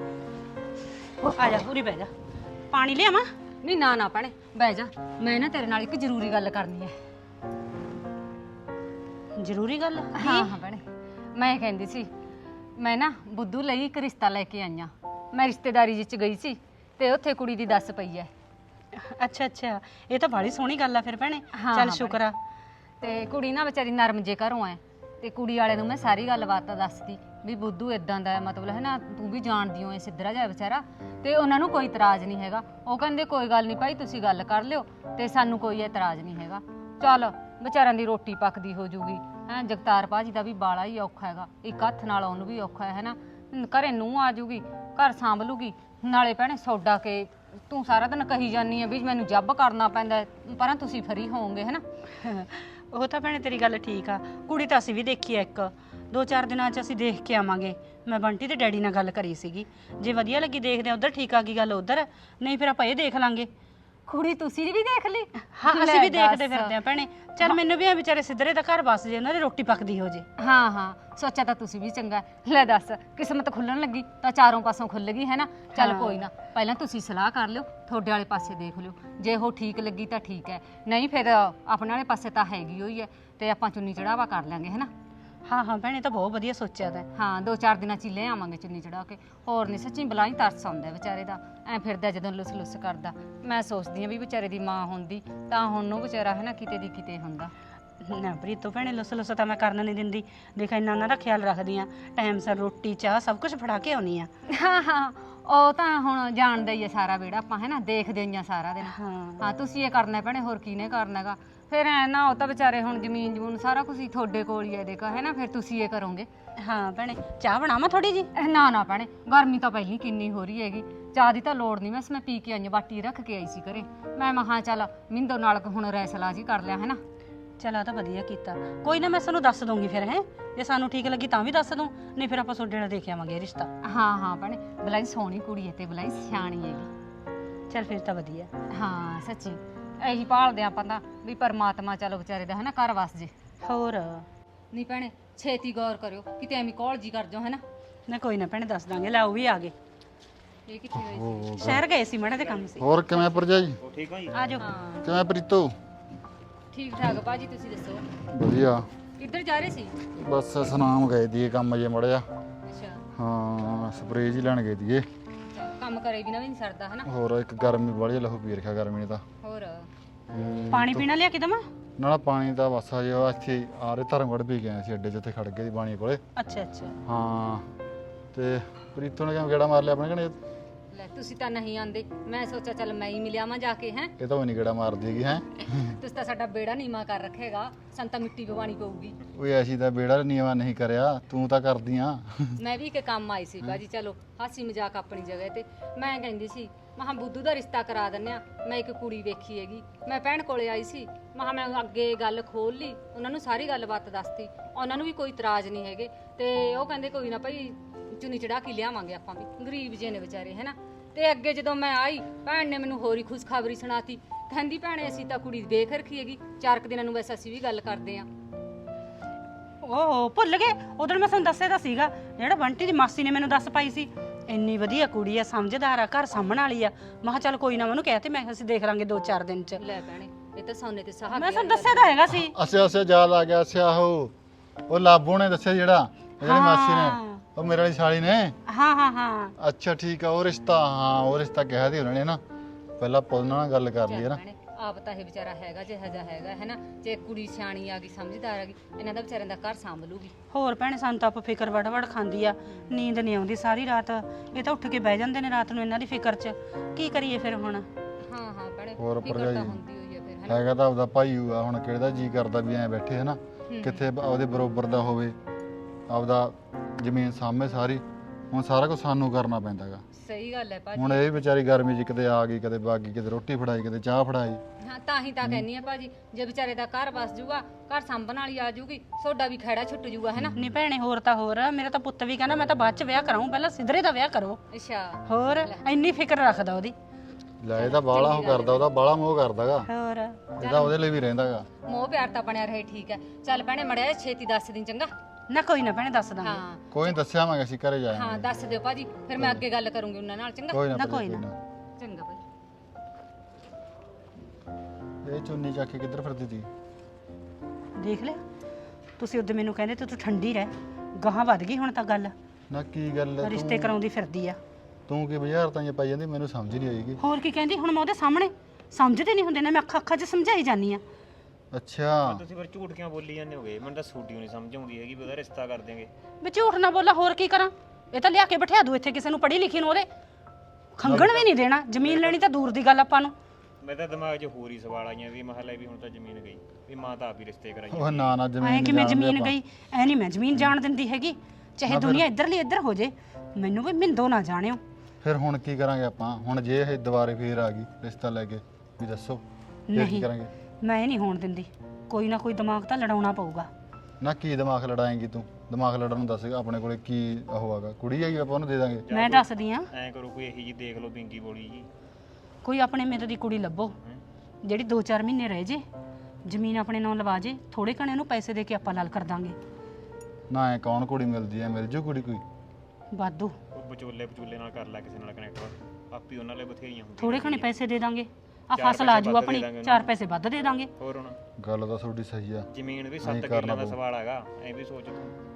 E: ਆ ਜਾ ਪੂਰੀ ਬਹਿ ਜਾ, ਪਾਣੀ ਲਿਆਵਾਂ?
A: ਨਹੀਂ ਨਾ ਨਾ ਭੈਣੇ ਬਹਿ ਜਾ, ਮੈਂ ਨਾ ਤੇਰੇ ਨਾਲ ਇੱਕ ਜ਼ਰੂਰੀ ਗੱਲ ਕਰਨੀ ਹੈ।
E: ਜ਼ਰੂਰੀ ਗੱਲ?
A: ਹਾਂ ਹਾਂ ਭੈਣੇ, ਮੈਂ ਕਹਿੰਦੀ ਸੀ ਮੈਂ ਨਾ ਬੁੱਧੂ ਲਈ ਇੱਕ ਰਿਸ਼ਤਾ ਲੈ ਕੇ ਆਈਆਂ। ਮੈਂ ਰਿਸ਼ਤੇਦਾਰੀ ਵਿੱਚ ਗਈ ਸੀ ਤੇ ਉੱਥੇ ਕੁੜੀ ਦੀ ਦੱਸ ਪਈ ਹੈ।
E: ਅੱਛਾ ਅੱਛਾ, ਇਹ ਤਾਂ ਬੜੀ ਸੋਹਣੀ ਗੱਲ ਆ ਫਿਰ ਭੈਣੇ।
A: ਹਾਂ,
E: ਚੱਲ
A: ਹਾਂ
E: ਸ਼ੁਕਰ ਆ।
A: ਤੇ ਕੁੜੀ ਨਾ ਵਿਚਾਰੀ ਨਰਮ ਜੇ ਘਰੋਂ ਐ, ਤੇ ਕੁੜੀ ਵਾਲੇ ਨੂੰ ਮੈਂ ਸਾਰੀ ਗੱਲਬਾਤ ਦੱਸਦੀ ਵੀ ਬੁੱਧੂ ਇਦਾਂ ਦਾ ਮਤਲਬ ਹੈ ਨਾ, ਤੂੰ ਵੀ ਜਾਣਦੀ ਹੋ, ਇਹ ਸਿੱਧਰਾ ਜਿਹਾ ਵਿਚਾਰਾ, ਤੇ ਉਹਨਾਂ ਨੂੰ ਕੋਈ ਇਤਰਾਜ਼ ਨਹੀਂ ਹੈਗਾ। ਉਹ ਕਹਿੰਦੇ ਕੋਈ ਗੱਲ ਨਹੀਂ ਭਾਈ, ਤੁਸੀਂ ਗੱਲ ਕਰ ਲਿਓ ਤੇ ਸਾਨੂੰ ਕੋਈ ਇਤਰਾਜ਼ ਨਹੀਂ ਹੈਗਾ। ਚੱਲ ਵਿਚਾਰਿਆਂ ਦੀ ਰੋਟੀ ਪੱਕਦੀ ਹੋ ਜੂਗੀ। ਹੈ ਜਗਤਾਰ ਭਾਜੀ ਦਾ ਵੀ ਬਾਲਾ ਹੀ ਔਖਾ ਹੈਗਾ, ਇੱਕ ਹੱਥ ਨਾਲ ਉਹਨੂੰ ਵੀ ਔਖਾ ਹੈ ਨਾ, ਘਰੇ ਨੂੰ ਆ ਜੂਗੀ, ਘਰ ਸਾਂਭ ਲੂਗੀ। ਨਾਲੇ ਭੈਣੇ ਸੌਡਾ ਕੇ ਤੂੰ ਸਾਰਾ ਦਿਨ ਕਹੀ ਜਾਨੀ ਆ ਵੀ ਮੈਨੂੰ ਜੱਬ ਕਰਨਾ ਪੈਂਦਾ, ਪਰ ਤੁਸੀਂ ਫਰੀ ਹੋਵੋਗੇ ਹੈ ਨਾ।
E: ਉਹ ਤਾਂ ਭੈਣੇ ਤੇਰੀ ਗੱਲ ਠੀਕ ਆ, ਕੁੜੀ ਤਾਂ ਅਸੀਂ ਵੀ ਦੇਖੀ ਆ ਇੱਕ 2-4 ਦਿਨਾਂ 'ਚ ਅਸੀਂ ਦੇਖ ਕੇ ਆਵਾਂਗੇ। ਮੈਂ ਬੰਟੀ ਤੇ ਡੈਡੀ ਨਾਲ ਗੱਲ ਕਰੀ ਸੀਗੀ, ਜੇ ਵਧੀਆ ਲੱਗੀ ਦੇਖਦੇ ਆ ਉਧਰ, ਠੀਕ ਆ ਗਈ ਗੱਲ ਉਧਰ, ਨਹੀਂ ਫਿਰ ਆਪਾਂ ਇਹ ਦੇਖ ਲਾਂਗੇ।
A: ਕੁੜੀ ਤੁਸੀਂ ਵੀ ਦੇਖ ਲਈ?
E: ਹਾਂ ਅਸੀਂ ਵੀ ਦੇਖਦੇ ਫਿਰਦੇ ਆ ਭੈਣੇ। ਚੱਲ ਮੈਨੂੰ ਵੀ ਆ ਵਿਚਾਰੇ ਸਿੱਧਰੇ ਦਾ ਘਰ ਬਸ ਜੇ, ਉਹਨਾਂ ਦੀ ਰੋਟੀ ਪੱਕਦੀ ਹੋ ਜੇ।
A: ਹਾਂ ਹਾਂ ਸੋਚਿਆ ਤਾਂ ਤੁਸੀਂ ਵੀ ਚੰਗਾ। ਲੈ ਦੱਸ, ਕਿਸਮਤ ਖੁੱਲਣ ਲੱਗੀ ਤਾਂ ਚਾਰੋਂ ਪਾਸੋਂ ਖੁੱਲ ਗਈ ਹੈ ਨਾ। ਚੱਲ ਕੋਈ ਨਾ, ਪਹਿਲਾਂ ਤੁਸੀਂ ਸਲਾਹ ਕਰ ਲਿਓ, ਤੁਹਾਡੇ ਵਾਲੇ ਪਾਸੇ ਦੇਖ ਲਿਓ, ਜੇ ਉਹ ਠੀਕ ਲੱਗੀ ਤਾਂ ਠੀਕ ਹੈ, ਨਹੀਂ ਫਿਰ ਆਪਣੇ ਵਾਲੇ ਪਾਸੇ ਤਾਂ ਹੈਗੀ ਹੋਈ ਹੈ, ਤੇ ਆਪਾਂ ਚੁੰਨੀ ਚੜਾਵਾ ਕਰ ਲਾਂਗੇ ਹੈ ਨਾ।
E: ਹਾਂ ਹਾਂ ਭੈਣੇ, ਤਾਂ ਬਹੁਤ ਵਧੀਆ ਸੋਚਿਆ ਤੈਂ।
A: ਹਾਂ 2-4 ਦਿਨਾਂ 'ਚ ਹੀ ਲੈ ਆਵਾਂਗੇ ਚੁੰਨੀ ਚੜਾ ਕੇ। ਹੋਰ ਨਹੀਂ ਸੱਚੀ ਬਲਾਈ ਤਰਸ ਆਉਂਦਾ ਵਿਚਾਰੇ ਦਾ, ਐ ਫਿਰਦਾ ਜਦੋਂ ਲੁੱਸ ਕਰਦਾ। ਮੈਂ ਸੋਚਦੀ ਆ ਵੀ ਵਿਚਾਰੇ ਦੀ ਮਾਂ ਹੁੰਦੀ ਤਾਂ ਹੁਣ ਨੂੰ ਵਿਚਾਰਾ ਹੈ ਨਾ ਕਿਤੇ ਦੀ ਕਿਤੇ ਹੁੰਦਾ।
E: ਨਾ ਪ੍ਰੀਤੋ ਭੈਣੇ ਲੁੱਸ ਤਾਂ ਮੈਂ ਕਰਨ ਨਹੀਂ ਦਿੰਦੀ। ਦੇਖ ਇੰਨਾ ਉਹਨਾਂ ਦਾ ਖਿਆਲ ਰੱਖਦੀ ਆ, ਟਾਈਮ ਸਿਰ ਰੋਟੀ ਚਾਹ ਸਭ ਕੁਝ ਫੜਾ ਕੇ ਆਉਣੀ ਆ।
A: ਹਾਂ ਉਹ ਤਾਂ ਹੁਣ ਜਾਣਦਾ ਹੀ ਆ ਸਾਰਾ ਵਿਹੜਾ, ਆਪਾਂ ਹੈ ਨਾ ਦੇਖਦੇ ਹੀ ਆ ਸਾਰਾ ਦਿਨ। ਹਾਂ ਤੁਸੀਂ ਇਹ ਕਰਨਾ ਭੈਣੇ, ਹੋਰ ਕਿਹਨੇ ਕਰਨਾਗਾ? ਫਿਰ ਐ ਨਾ ਉਹ ਤਾਂ ਵਿਚਾਰੇ ਹੁਣ ਜ਼ਮੀਨ ਜਮੂਨ ਸਾਰਾ ਕੁਝ ਹੀ ਤੁਹਾਡੇ ਕੋਲ ਹੀ ਹੈ ਦੇਖਾ ਹੈ ਨਾ, ਫਿਰ ਤੁਸੀਂ ਇਹ ਕਰੋਗੇ।
E: ਹਾਂ ਭੈਣੇ ਚਾਹ ਬਣਾਵਾਂ ਥੋੜੀ ਜੀ?
A: ਨਾ ਭੈਣੇ ਗਰਮੀ ਤਾਂ ਪਹਿਲੀ ਕਿੰਨੀ ਹੋ ਰਹੀ ਹੈਗੀ, ਚਾਹ ਦੀ ਤਾਂ ਲੋੜ ਨਹੀਂ। ਮੈਂ ਪੀ ਕੇ ਆਈ, ਬਾਟੀ ਰੱਖ ਕੇ ਆਈ ਸੀ ਘਰੇ। ਮੈਂ ਮਹਾਂ ਚੱਲ ਮਿੰਦੋ ਨਾਲ ਹੁਣ ਰੈਸਲਾ ਜੀ ਕਰ ਲਿਆ ਹੈ ਨਾ।
E: ਚਲ ਆ ਤਾਂ ਵਧੀਆ ਕੀਤਾ। ਕੋਈ ਨਾ ਮੈਂ ਤੁਹਾਨੂੰ ਦੱਸ ਦੂੰਗੀ ਫਿਰ, ਹੈ ਜੇ ਸਾਨੂੰ ਠੀਕ ਲੱਗੀ ਤਾਂ ਵੀ ਦੱਸ ਦੂੰ, ਨਹੀਂ ਫਿਰ ਆਪਾਂ ਤੁਹਾਡੇ ਨਾਲ ਦੇਖ ਆਵਾਂਗੇ ਰਿਸ਼ਤਾ।
A: ਹਾਂ ਭੈਣੇ ਬਲਾਈ ਸੋਹਣੀ ਕੁੜੀ ਹੈ ਤੇ ਬਲਾਈ ਸਿਆਣੀ ਹੈਗੀ।
E: ਚਲ ਫਿਰ ਤਾਂ ਵਧੀਆ।
A: ਹਾਂ ਸੱਚੀ ਇਹੀ ਭਾਲਦੇ ਆਪਾਂ ਤਾਂ ਵੀ ਪਰਮਾਤਮਾ ਚਲੋ ਵਿਚਾਰੇ ਦਾ ਹੈ ਨਾ ਘਰ ਵਸ ਜੇ।
E: ਹੋਰ
A: ਨਹੀਂ ਭੈਣੇ ਛੇਤੀ ਗੌਰ ਕਰਿਓ ਕਿਤੇ ਐਵੇਂ ਕਾਲ ਜੀ ਕਰ ਜਾਓ ਹੈ ਨਾ।
E: ਨਾ ਕੋਈ ਨਾ ਭੈਣੇ ਦੱਸ ਦਾਂਗੇ। ਲੈ ਉਹ ਵੀ ਆ ਗਏ।
A: ਇਹ ਕਿੱਥੇ ਹੋਈ ਸੀ?
E: ਸ਼ਹਿਰ ਗਏ ਸੀ ਮਾੜੇ ਤੇ ਕੰਮ ਸੀ।
F: ਹੋਰ ਕਿਵੇਂ ਭਰਜਾਈ?
B: ਠੀਕ ਹੋ ਜੀ?
E: ਆ ਜਾਓ।
A: ਹਾਂ
F: ਕਿਵੇਂ ਪ੍ਰੀਤੋ?
A: ਠੀਕ ਠਾਕ ਭਾਜੀ, ਤੁਸੀਂ ਦੱਸੋ
F: ਵਧੀਆ।
A: ਕਿੱਧਰ ਜਾ ਰਹੇ ਸੀ?
F: ਬਸ ਸੁਨਾਮ ਗਏ ਦੀਏ ਕੰਮ ਜੇ ਮੜਿਆ।
A: ਅੱਛਾ
F: ਹਾਂ ਸਪਰੇਅ ਜੀ ਲੈਣ ਗਏ ਦੀਏ।
A: ਕੰਮ ਕਰੇ ਵੀ ਨਾ ਵੀ ਨਹੀਂ ਸਰਦਾ ਹੈ ਨਾ।
F: ਹੋਰ ਇੱਕ ਗਰਮੀ ਵਾਲੀ ਲਹੂ ਪੀ ਰੱਖਿਆ ਗਰਮੀ ਨੇ ਤਾਂ।
A: ਹੋਰ
E: ਪਾਣੀ ਪੀਣਾ ਲਿਆ ਕੇ ਦਵਾਂ?
F: ਨਾ ਪਾਣੀ ਦਾ ਬਸ ਆ ਜਿਹਾ ਇੱਥੇ ਆ ਰਹੇ ਧਰਮਗੜ ਵੀ ਗਏ ਸੀ ਅੱਡੇ ਜਿੱਥੇ ਖੜ ਗਏ ਸੀ ਬਾਣੀ ਕੋਲੇ।
E: ਅੱਛਾ
F: ਹਾਂ ਤੇ ਪ੍ਰੀਤੋ ਨੇ ਕਿਵੇਂ ਗੇੜਾ ਮਾਰ ਲਿਆ ਆਪਣੇ ਕਨੇ?
A: ਲੈ ਤੁਸੀਂ ਤਾਂ ਨਹੀਂ ਆਂਦੇ, ਮੈਂ ਸੋਚਿਆ ਚੱਲ ਮੈਂ ਹੀ ਮਿਲਿਆਵਾਂ ਜਾ ਕੇ। ਹੈ
F: ਇਹ ਤਾਂ ਉਹ ਨਹੀਂ ਗੇੜਾ ਮਾਰਦੀ ਹੈਗੀ ਹੈ।
A: ਤੁਸੀਂ ਤਾਂ ਸਾਡਾ ਬੇੜਾ ਨੀਮਾ ਕਰ ਰੱਖੇਗਾ, ਸੰਤਾ ਮਿੱਟੀ ਪਵਾਣੀ ਪਊਗੀ।
F: ਓਏ ਐਸੀ ਤਾਂ ਬੇੜਾ ਨੀਵਾ ਨਹੀਂ ਕਰਿਆ, ਤੂੰ ਤਾਂ ਕਰਦੀ ਆ।
A: ਮੈਂ ਵੀ ਇੱਕ ਕੰਮ ਆਈ ਸੀ ਬਾਜੀ, ਚਲੋ ਹਾਸੀ ਮਜ਼ਾਕ ਆਪਣੀ ਜਗ੍ਹਾ ਤੇ। ਮੈਂ ਕਹਿੰਦੀ ਸੀ ਮਹਾਂ ਬੁੱਧੂ ਦਾ ਰਿਸ਼ਤਾ ਕਰਾ ਦਿੰਨੇ ਆ। ਮੈਂ ਇੱਕ ਕੁੜੀ ਵੇਖੀ ਹੈਗੀ, ਮੈਂ ਭੈਣ ਕੋਲੇ ਆਈ ਸੀ। ਮਹਾਂ ਮੈਂ ਅੱਗੇ ਗੱਲ ਖੋਲ ਲਈ, ਉਹਨਾਂ ਨੂੰ ਸਾਰੀ ਗੱਲਬਾਤ ਦੱਸਤੀ। ਉਹਨਾਂ ਨੂੰ ਵੀ ਕੋਈ ਇਤਰਾਜ਼ ਨਹੀਂ ਹੈਗੇ ਤੇ ਉਹ ਕਹਿੰਦੇ ਕੋਈ ਨਾ ਭਾਈ ਚੁੰਨੀ ਚੜਾ ਕੇ ਲਿਆਵਾਂਗੇ ਆਪਾਂ ਵੀ, ਗਰੀਬ ਜੇ ਨੇ ਵਿਚਾਰੇ ਹੈ ਨਾ। ਤੇ ਅੱਗੇ ਜਦੋਂ ਮੈਂ ਆਈ ਭੈਣ ਨੇ ਮੈਨੂੰ ਹੋਰ ਹੀ ਖੁਸ਼ਖਬਰੀ ਸੁਣਾਤੀ। ਕਹਿੰਦੀ ਭੈਣੇ ਅਸੀਂ ਤਾਂ ਕੁੜੀ ਦੇਖ ਰੱਖੀ ਹੈਗੀ, 4 ਕੁ ਦਿਨਾਂ ਨੂੰ ਵੈਸੇ ਅਸੀਂ ਵੀ ਗੱਲ ਕਰਦੇ ਆਂ।
E: ਓਹ ਭੁੱਲ ਗਏ, ਉਦੋਂ ਮੈਂ ਤੁਹਾਨੂੰ ਦੱਸਿਆ ਤਾਂ ਸੀਗਾ, ਜਿਹੜਾ ਬੰਟੀ ਦੀ ਮਾਸੀ ਨੇ ਮੈਨੂੰ ਦੱਸ ਪਾਈ ਸੀ। ਇੰਨੀ ਵਧੀਆ ਕੁੜੀ ਆ, ਸਮਝਦਾਰ ਆ, ਘਰ ਸਾਂਭਣ ਵਾਲੀ ਆ। ਮੈਂ ਕਿਹਾ ਚੱਲ ਕੋਈ ਨਾ, ਮੈਨੂੰ ਕਹਿ ਤੇ ਮੈਂ ਅਸੀਂ ਦੇਖ ਲਾਂਗੇ 2-4 ਦਿਨ ਚ।
A: ਲੈ ਭੈਣੇ ਇਹ ਤਾਂ ਸੋਨੇ ਤੇ ਸਹਾਗੇ।
E: ਮੈਂ ਤੁਹਾਨੂੰ ਦੱਸਿਆ ਤਾਂ ਹੈਗਾ ਸੀ।
F: ਅੱਛਾ ਯਾਦ ਆ ਗਿਆ। ਅੱਛਾ ਉਹ ਲਾਬੂ ਨੇ ਦੱਸਿਆ ਜਿਹੜਾ ਜਿਹੜੀ ਮਾਸੀ ਨੇ, ਉਹ ਮੇਰੇ ਵਾਲੀ ਸਾਲੀ ਨੇ।
E: ਹਾਂ
F: ਅੱਛਾ ਠੀਕ ਆ। ਉਹ ਰਿਸ਼ਤਾ, ਹਾਂ ਉਹ ਰਿਸ਼ਤਾ ਕਿਹਾ ਸੀ ਉਹਨਾਂ ਨੇ ਨਾ, ਪਹਿਲਾਂ ਪੁੱਲ ਨਾਲ ਗੱਲ ਕਰ ਲਈ ਹੈ ਨਾ।
A: ਭੈਣੇ ਆਪ ਤਾਂ ਇਹ ਵਿਚਾਰਾ ਹੈਗਾ ਜਿਹਾ ਜਿਹਾ ਹੈਗਾ ਹੈ ਨਾ। ਜੇ ਕੁੜੀ ਸਿਆਣੀ ਆ ਗਈ, ਸਮਝਦਾਰ ਆ ਗਈ, ਇਹਨਾਂ ਦਾ ਵਿਚਾਰਿਆਂ ਦਾ ਘਰ ਸੰਭ ਲੂਗੀ।
E: ਹੋਰ ਭੈਣੇ ਸਾਨੂੰ ਤਾਂ ਆਪ ਫਿਕਰ ਵੜ ਖਾਂਦੀ ਆ, ਨੀਂਦ ਨਹੀਂ ਆਉਂਦੀ ਸਾਰੀ ਰਾਤ। ਇਹ ਤਾਂ ਉੱਠ ਕੇ ਬਹਿ ਜਾਂਦੇ ਨੇ ਰਾਤ ਨੂੰ ਇਹਨਾਂ ਦੀ ਫਿਕਰ 'ਚ। ਕੀ ਕਰੀਏ ਫਿਰ ਹੁਣ?
A: ਹਾਂ ਭੈਣੇ
F: ਹੋਰ
A: ਫਿਕਰ
F: ਭਰਜਾਈ
A: ਤਾਂ ਹੁੰਦੀ ਹੋਈ ਆ ਫਿਰ ਹੈ ਨਾ।
F: ਹੈਗਾ ਤਾਂ ਆਪਦਾ ਭਾਈ ਹੋਊਗਾ, ਹੁਣ ਕਿਹੜਾ ਜੀ ਕਰਦਾ ਵੀ ਐਂ ਬੈਠੇ ਹੈ ਨਾ, ਕਿੱਥੇ ਉਹਦੇ ਬਰੋਬਰ ਦਾ ਹੋਵੇ, ਆਪਦਾ ਜ਼ਮੀਨ ਸਾਹਮਣੇ ਸਾਰੀ। ਹੁਣ ਸਾਰਾ ਕੁਝ ਸਾਨੂੰ ਕਰਨਾ ਪੈਂਦਾਗਾ।
A: ਸਹੀ ਗੱਲ ਹੈ ਭਾਜੀ।
F: ਹੁਣ ਇਹ ਵਿਚਾਰੀ ਗਰਮੀ 'ਚ ਕਿਤੇ ਆ ਗਈ, ਕਦੇ ਬਾਗੀ, ਕਿਤੇ ਰੋਟੀ ਫੜਾਈ, ਕਿਤੇ ਚਾਹ ਫੜਾਈ।
A: ਹਾਂ ਤਾਂ ਹੀ ਤਾਂ ਕਹਿੰਨੀ ਆ ਭਾਜੀ, ਜੇ ਵਿਚਾਰੇ ਦਾ ਘਰ ਵਸ ਜੂਗਾ, ਘਰ ਸੰਭਣ ਵਾਲੀ ਆ ਜੂਗੀ, ਤੁਹਾਡਾ ਵੀ ਖੈੜਾ ਛੁੱਟ ਜੂਗਾ ਹੈ ਨਾ।
E: ਨਹੀਂ ਭੈਣੇ ਹੋਰ ਤਾਂ ਹੋਰ, ਮੇਰਾ ਤਾਂ ਪੁੱਤ ਵੀ ਕਹਿੰਦਾ ਮੈਂ ਤਾਂ ਬਾਅਦ 'ਚ ਵਿਆਹ ਕਰਾਉਂ, ਪਹਿਲਾਂ ਸਿੱਧਰੇ ਦਾ ਵਿਆਹ ਕਰੋ।
A: ਅੱਛਾ
E: ਹੋਰ ਇੰਨੀ ਫਿਕਰ ਰੱਖਦਾ ਉਹਦੀ।
F: ਲੈ ਇਹ ਤਾਂ ਬਾਲਾ ਉਹ ਕਰਦਾ, ਉਹਦਾ ਬਾਲਾ ਮੋਹ ਕਰਦਾਗਾ।
E: ਹੋਰ
F: ਇਹਦਾ ਉਹਦੇ ਲਈ ਵੀ ਰਹਿੰਦਾਗਾ।
A: ਮੋਹ ਪਿਆਰ ਤਾਂ ਬਣਿਆ ਰਹੇ, ਠੀਕ ਹੈ। ਚੱਲ ਭੈਣੇ ਮੜਿਆ ਛੇਤੀ ਦੱਸ ਦੀ ਚੰਗਾ।
E: ਨਾ ਕੋਈ ਨਾ ਭੈਣੇ ਦੱਸ ਦਾਂਗੇ।
A: ਹਾਂ
F: ਕੋਈ ਨੀ ਦੱਸਿਆ ਮੈਂ ਅਸੀਂ ਘਰੇ ਜਾਏ।
A: ਹਾਂ ਦੱਸ ਦਿਓ ਭਾਜੀ, ਫਿਰ ਮੈਂ ਅੱਗੇ ਗੱਲ ਕਰੂੰਗੀ ਉਹਨਾਂ ਨਾਲ। ਚੰਗਾ
F: ਕੋਈ ਨਾ
E: ਨਾ ਕੋਈ
F: ਕੋਈ
E: ਨਾ।
F: ਨਾ।
A: ਚੰਗਾ ਭਾਈ।
F: ਇਹ ਚੁੰਨੀ ਚੱਕ ਕੇ ਕਿੱਧਰ ਫਿਰਦੀ ਤੀ?
E: ਦੇਖ ਲਿਆ ਤੁਸੀਂ ਉਦੋਂ ਮੈਨੂੰ ਕਹਿੰਦੇ ਤੂੰ ਠੰਡੀ ਰਹਿ, ਗਾਹਾਂ ਵੱਧ ਗਈ ਹੁਣ ਤਾਂ ਗੱਲ।
F: ਨਾ ਕੀ ਗੱਲ ਹੈ,
E: ਰਿਸ਼ਤੇ ਕਰਾਉਂਦੀ ਫਿਰਦੀ ਆ।
F: ਤੂੰ ਕੀ ਬਾਜ਼ਾਰ ਤਾਂ ਪਾਈ ਜਾਂਦੀ, ਮੈਨੂੰ ਸਮਝ ਨਹੀਂ ਆਏਗੀ।
E: ਹੋਰ ਕੀ ਕਹਿੰਦੀ ਹੁਣ? ਮੈਂ ਉਹਦੇ ਸਾਹਮਣੇ ਸਮਝਦੇ ਨਹੀਂ ਹੁੰਦੇ ਨਾ, ਮੈਂ ਅੱਖਾਂ 'ਚ ਸਮਝਾਈ ਜਾਨੀ ਆ।
F: ਅੱਛਾ
B: ਤੁਸੀਂ ਫਿਰ ਝੂਠ ਕਿਉਂ ਬੋਲੀ ਜਾਂਦੇ ਹੋਗੇ? ਮੈਨੂੰ ਤਾਂ ਸੂਟੀਓ ਨਹੀਂ ਸਮਝ ਆਉਂਦੀ ਹੈਗੀ ਵੀ ਉਹਦਾ ਰਿਸ਼ਤਾ ਕਰ ਦੇਂਗੇ।
E: ਵੀ ਝੂਠ ਨਾ ਬੋਲਾ, ਹੋਰ ਕੀ ਕਰਾਂ? ਇਹ ਤਾਂ ਲਿਆ ਕੇ ਬਿਠਾ ਦੂ ਇੱਥੇ ਕਿਸੇ ਨੂੰ, ਪੜ੍ਹੀ ਲਿਖੀ ਨੂੰ। ਉਹਦੇ ਖੰਗਣ ਵੀ ਨਹੀਂ ਦੇਣਾ। ਜ਼ਮੀਨ ਲੈਣੀ ਤਾਂ ਦੂਰ ਦੀ ਗੱਲ ਆਪਾਂ ਨੂੰ।
B: ਮੇਰੇ ਤਾਂ ਦਿਮਾਗ 'ਚ ਹੋਰ ਹੀ ਸਵਾਲ ਆਈਆਂ ਵੀ ਮਹੱਲੇ ਵੀ ਹੁਣ ਤਾਂ ਜ਼ਮੀਨ ਗਈ, ਵੀ ਮਾਂ ਤਾਂ ਆਪ ਹੀ ਰਿਸ਼ਤੇ ਕਰਾਈ।
F: ਉਹ ਨਾ
E: ਐ
F: ਜ਼ਮੀਨ
E: ਕਿ ਮੈਂ ਜ਼ਮੀਨ ਗਈ, ਐ ਨਹੀਂ ਮੈਂ ਜ਼ਮੀਨ ਜਾਣ ਦਿੰਦੀ ਹੈਗੀ। ਚਾਹੇ ਦੁਨੀਆ ਇੱਧਰਲੀ ਇੱਧਰ ਹੋ ਜੇ, ਮੈਨੂੰ ਵੀ ਮਿੰਦੋ ਨਾ ਜਾਣਿਓ।
F: ਫਿਰ ਹੁਣ ਕੀ ਕਰਾਂਗੇ ਆਪਾਂ? ਹੁਣ ਜੇ ਇਹ ਦੁਬਾਰੇ ਫੇਰ ਆ ਗਈ ਰਿਸ਼ਤਾ ਲੈ ਕੇ, ਵੀ ਦੱਸੋ ਫਿਰ ਕੀ
E: ਨਹੀਂ
F: ਕਰਾਂਗੇ?
E: ਮੈਂ ਇਹ ਨਹੀਂ ਹੋਣ ਦਿੰਦੀ। ਕੋਈ ਨਾ ਕੋਈ ਦਿਮਾਗ ਤਾਂ ਲੜਾਉਣਾ ਪਊਗਾ।
F: ਨਾ ਕੀ ਦਿਮਾਗ ਲੜਾਏਂਗੀ ਤੂੰ? ਦਿਮਾਗ ਲੜਨ ਨੂੰ ਦੱਸ, ਆਪਣੇ ਕੋਲੇ ਕੀ ਉਹ ਹੈਗਾ? ਕੁੜੀ ਹੈਗੀ, ਆਪਾਂ ਉਹਨੂੰ ਦੇ ਦਾਂਗੇ।
E: ਮੈਂ ਦੱਸਦੀ ਆ,
B: ਐਂ ਕਰੋ ਕੋਈ ਇਹੀ ਜੀ ਦੇਖ ਲਓ ਬਿੰਗੀ ਬੋਲੀ ਜੀ।
E: ਕੋਈ ਆਪਣੇ ਮੇਰੇ ਦੀ ਕੁੜੀ ਲੱਭੋ ਜਿਹੜੀ 2-4 ਮਹੀਨੇ ਰਹਿ ਜੇ, ਜ਼ਮੀਨ ਆਪਣੇ ਨਾਂ ਲਵਾ ਜੇ, ਥੋੜੇ ਘਣੇ ਨੂੰ ਪੈਸੇ ਦੇ ਕੇ ਆਪਾਂ ਲਾਲ ਕਰ ਦਾਂਗੇ।
F: ਨਾ ਐ ਕੌਣ ਕੁੜੀ ਮਿਲਦੀ ਐ? ਮਿਲ ਜੂ ਕੁੜੀ ਕੋਈ
E: ਵਾਧੂ।
B: ਉਹ ਵਿਚੋਲੇ ਨਾਲ ਕਰ ਲੈ ਕਿਸੇ ਨਾਲ ਕਨੈਕਟ, ਆਪੀ ਉਹਨਾਂ ਲਈ ਬਥੇਰੀਆਂ ਹੁੰਦੀਆਂ।
E: ਥੋੜੇ ਘਣੇ ਪੈਸੇ ਦੇ ਦਾਂਗੇ, ਆ
B: ਚਾਰ
E: ਫਸਲ ਆ
B: ਪੈਸੇ
E: ਜੂ
B: ਵੱਧ
E: ਆਪਣੀ,
B: ਦੇ ਦਾਂਗੇ
E: 4 ਪੈਸੇ ਵੱਧ ਦੇ ਦਾਂਗੇ।
B: ਹੋਰ ਹੁਣ
F: ਗੱਲ ਤਾਂ ਤੁਹਾਡੀ ਸਹੀ ਆ।
B: ਜ਼ਮੀਨ ਵੀ
F: ਨਹੀਂ
B: 7
F: ਕਰਨਾ
B: ਕਿੱਲਿਆਂ ਦਾ
F: ਪਊ।
B: ਸਵਾਲ ਹੈਗਾ, ਐ ਵੀ ਸੋਚ ਤੂੰ।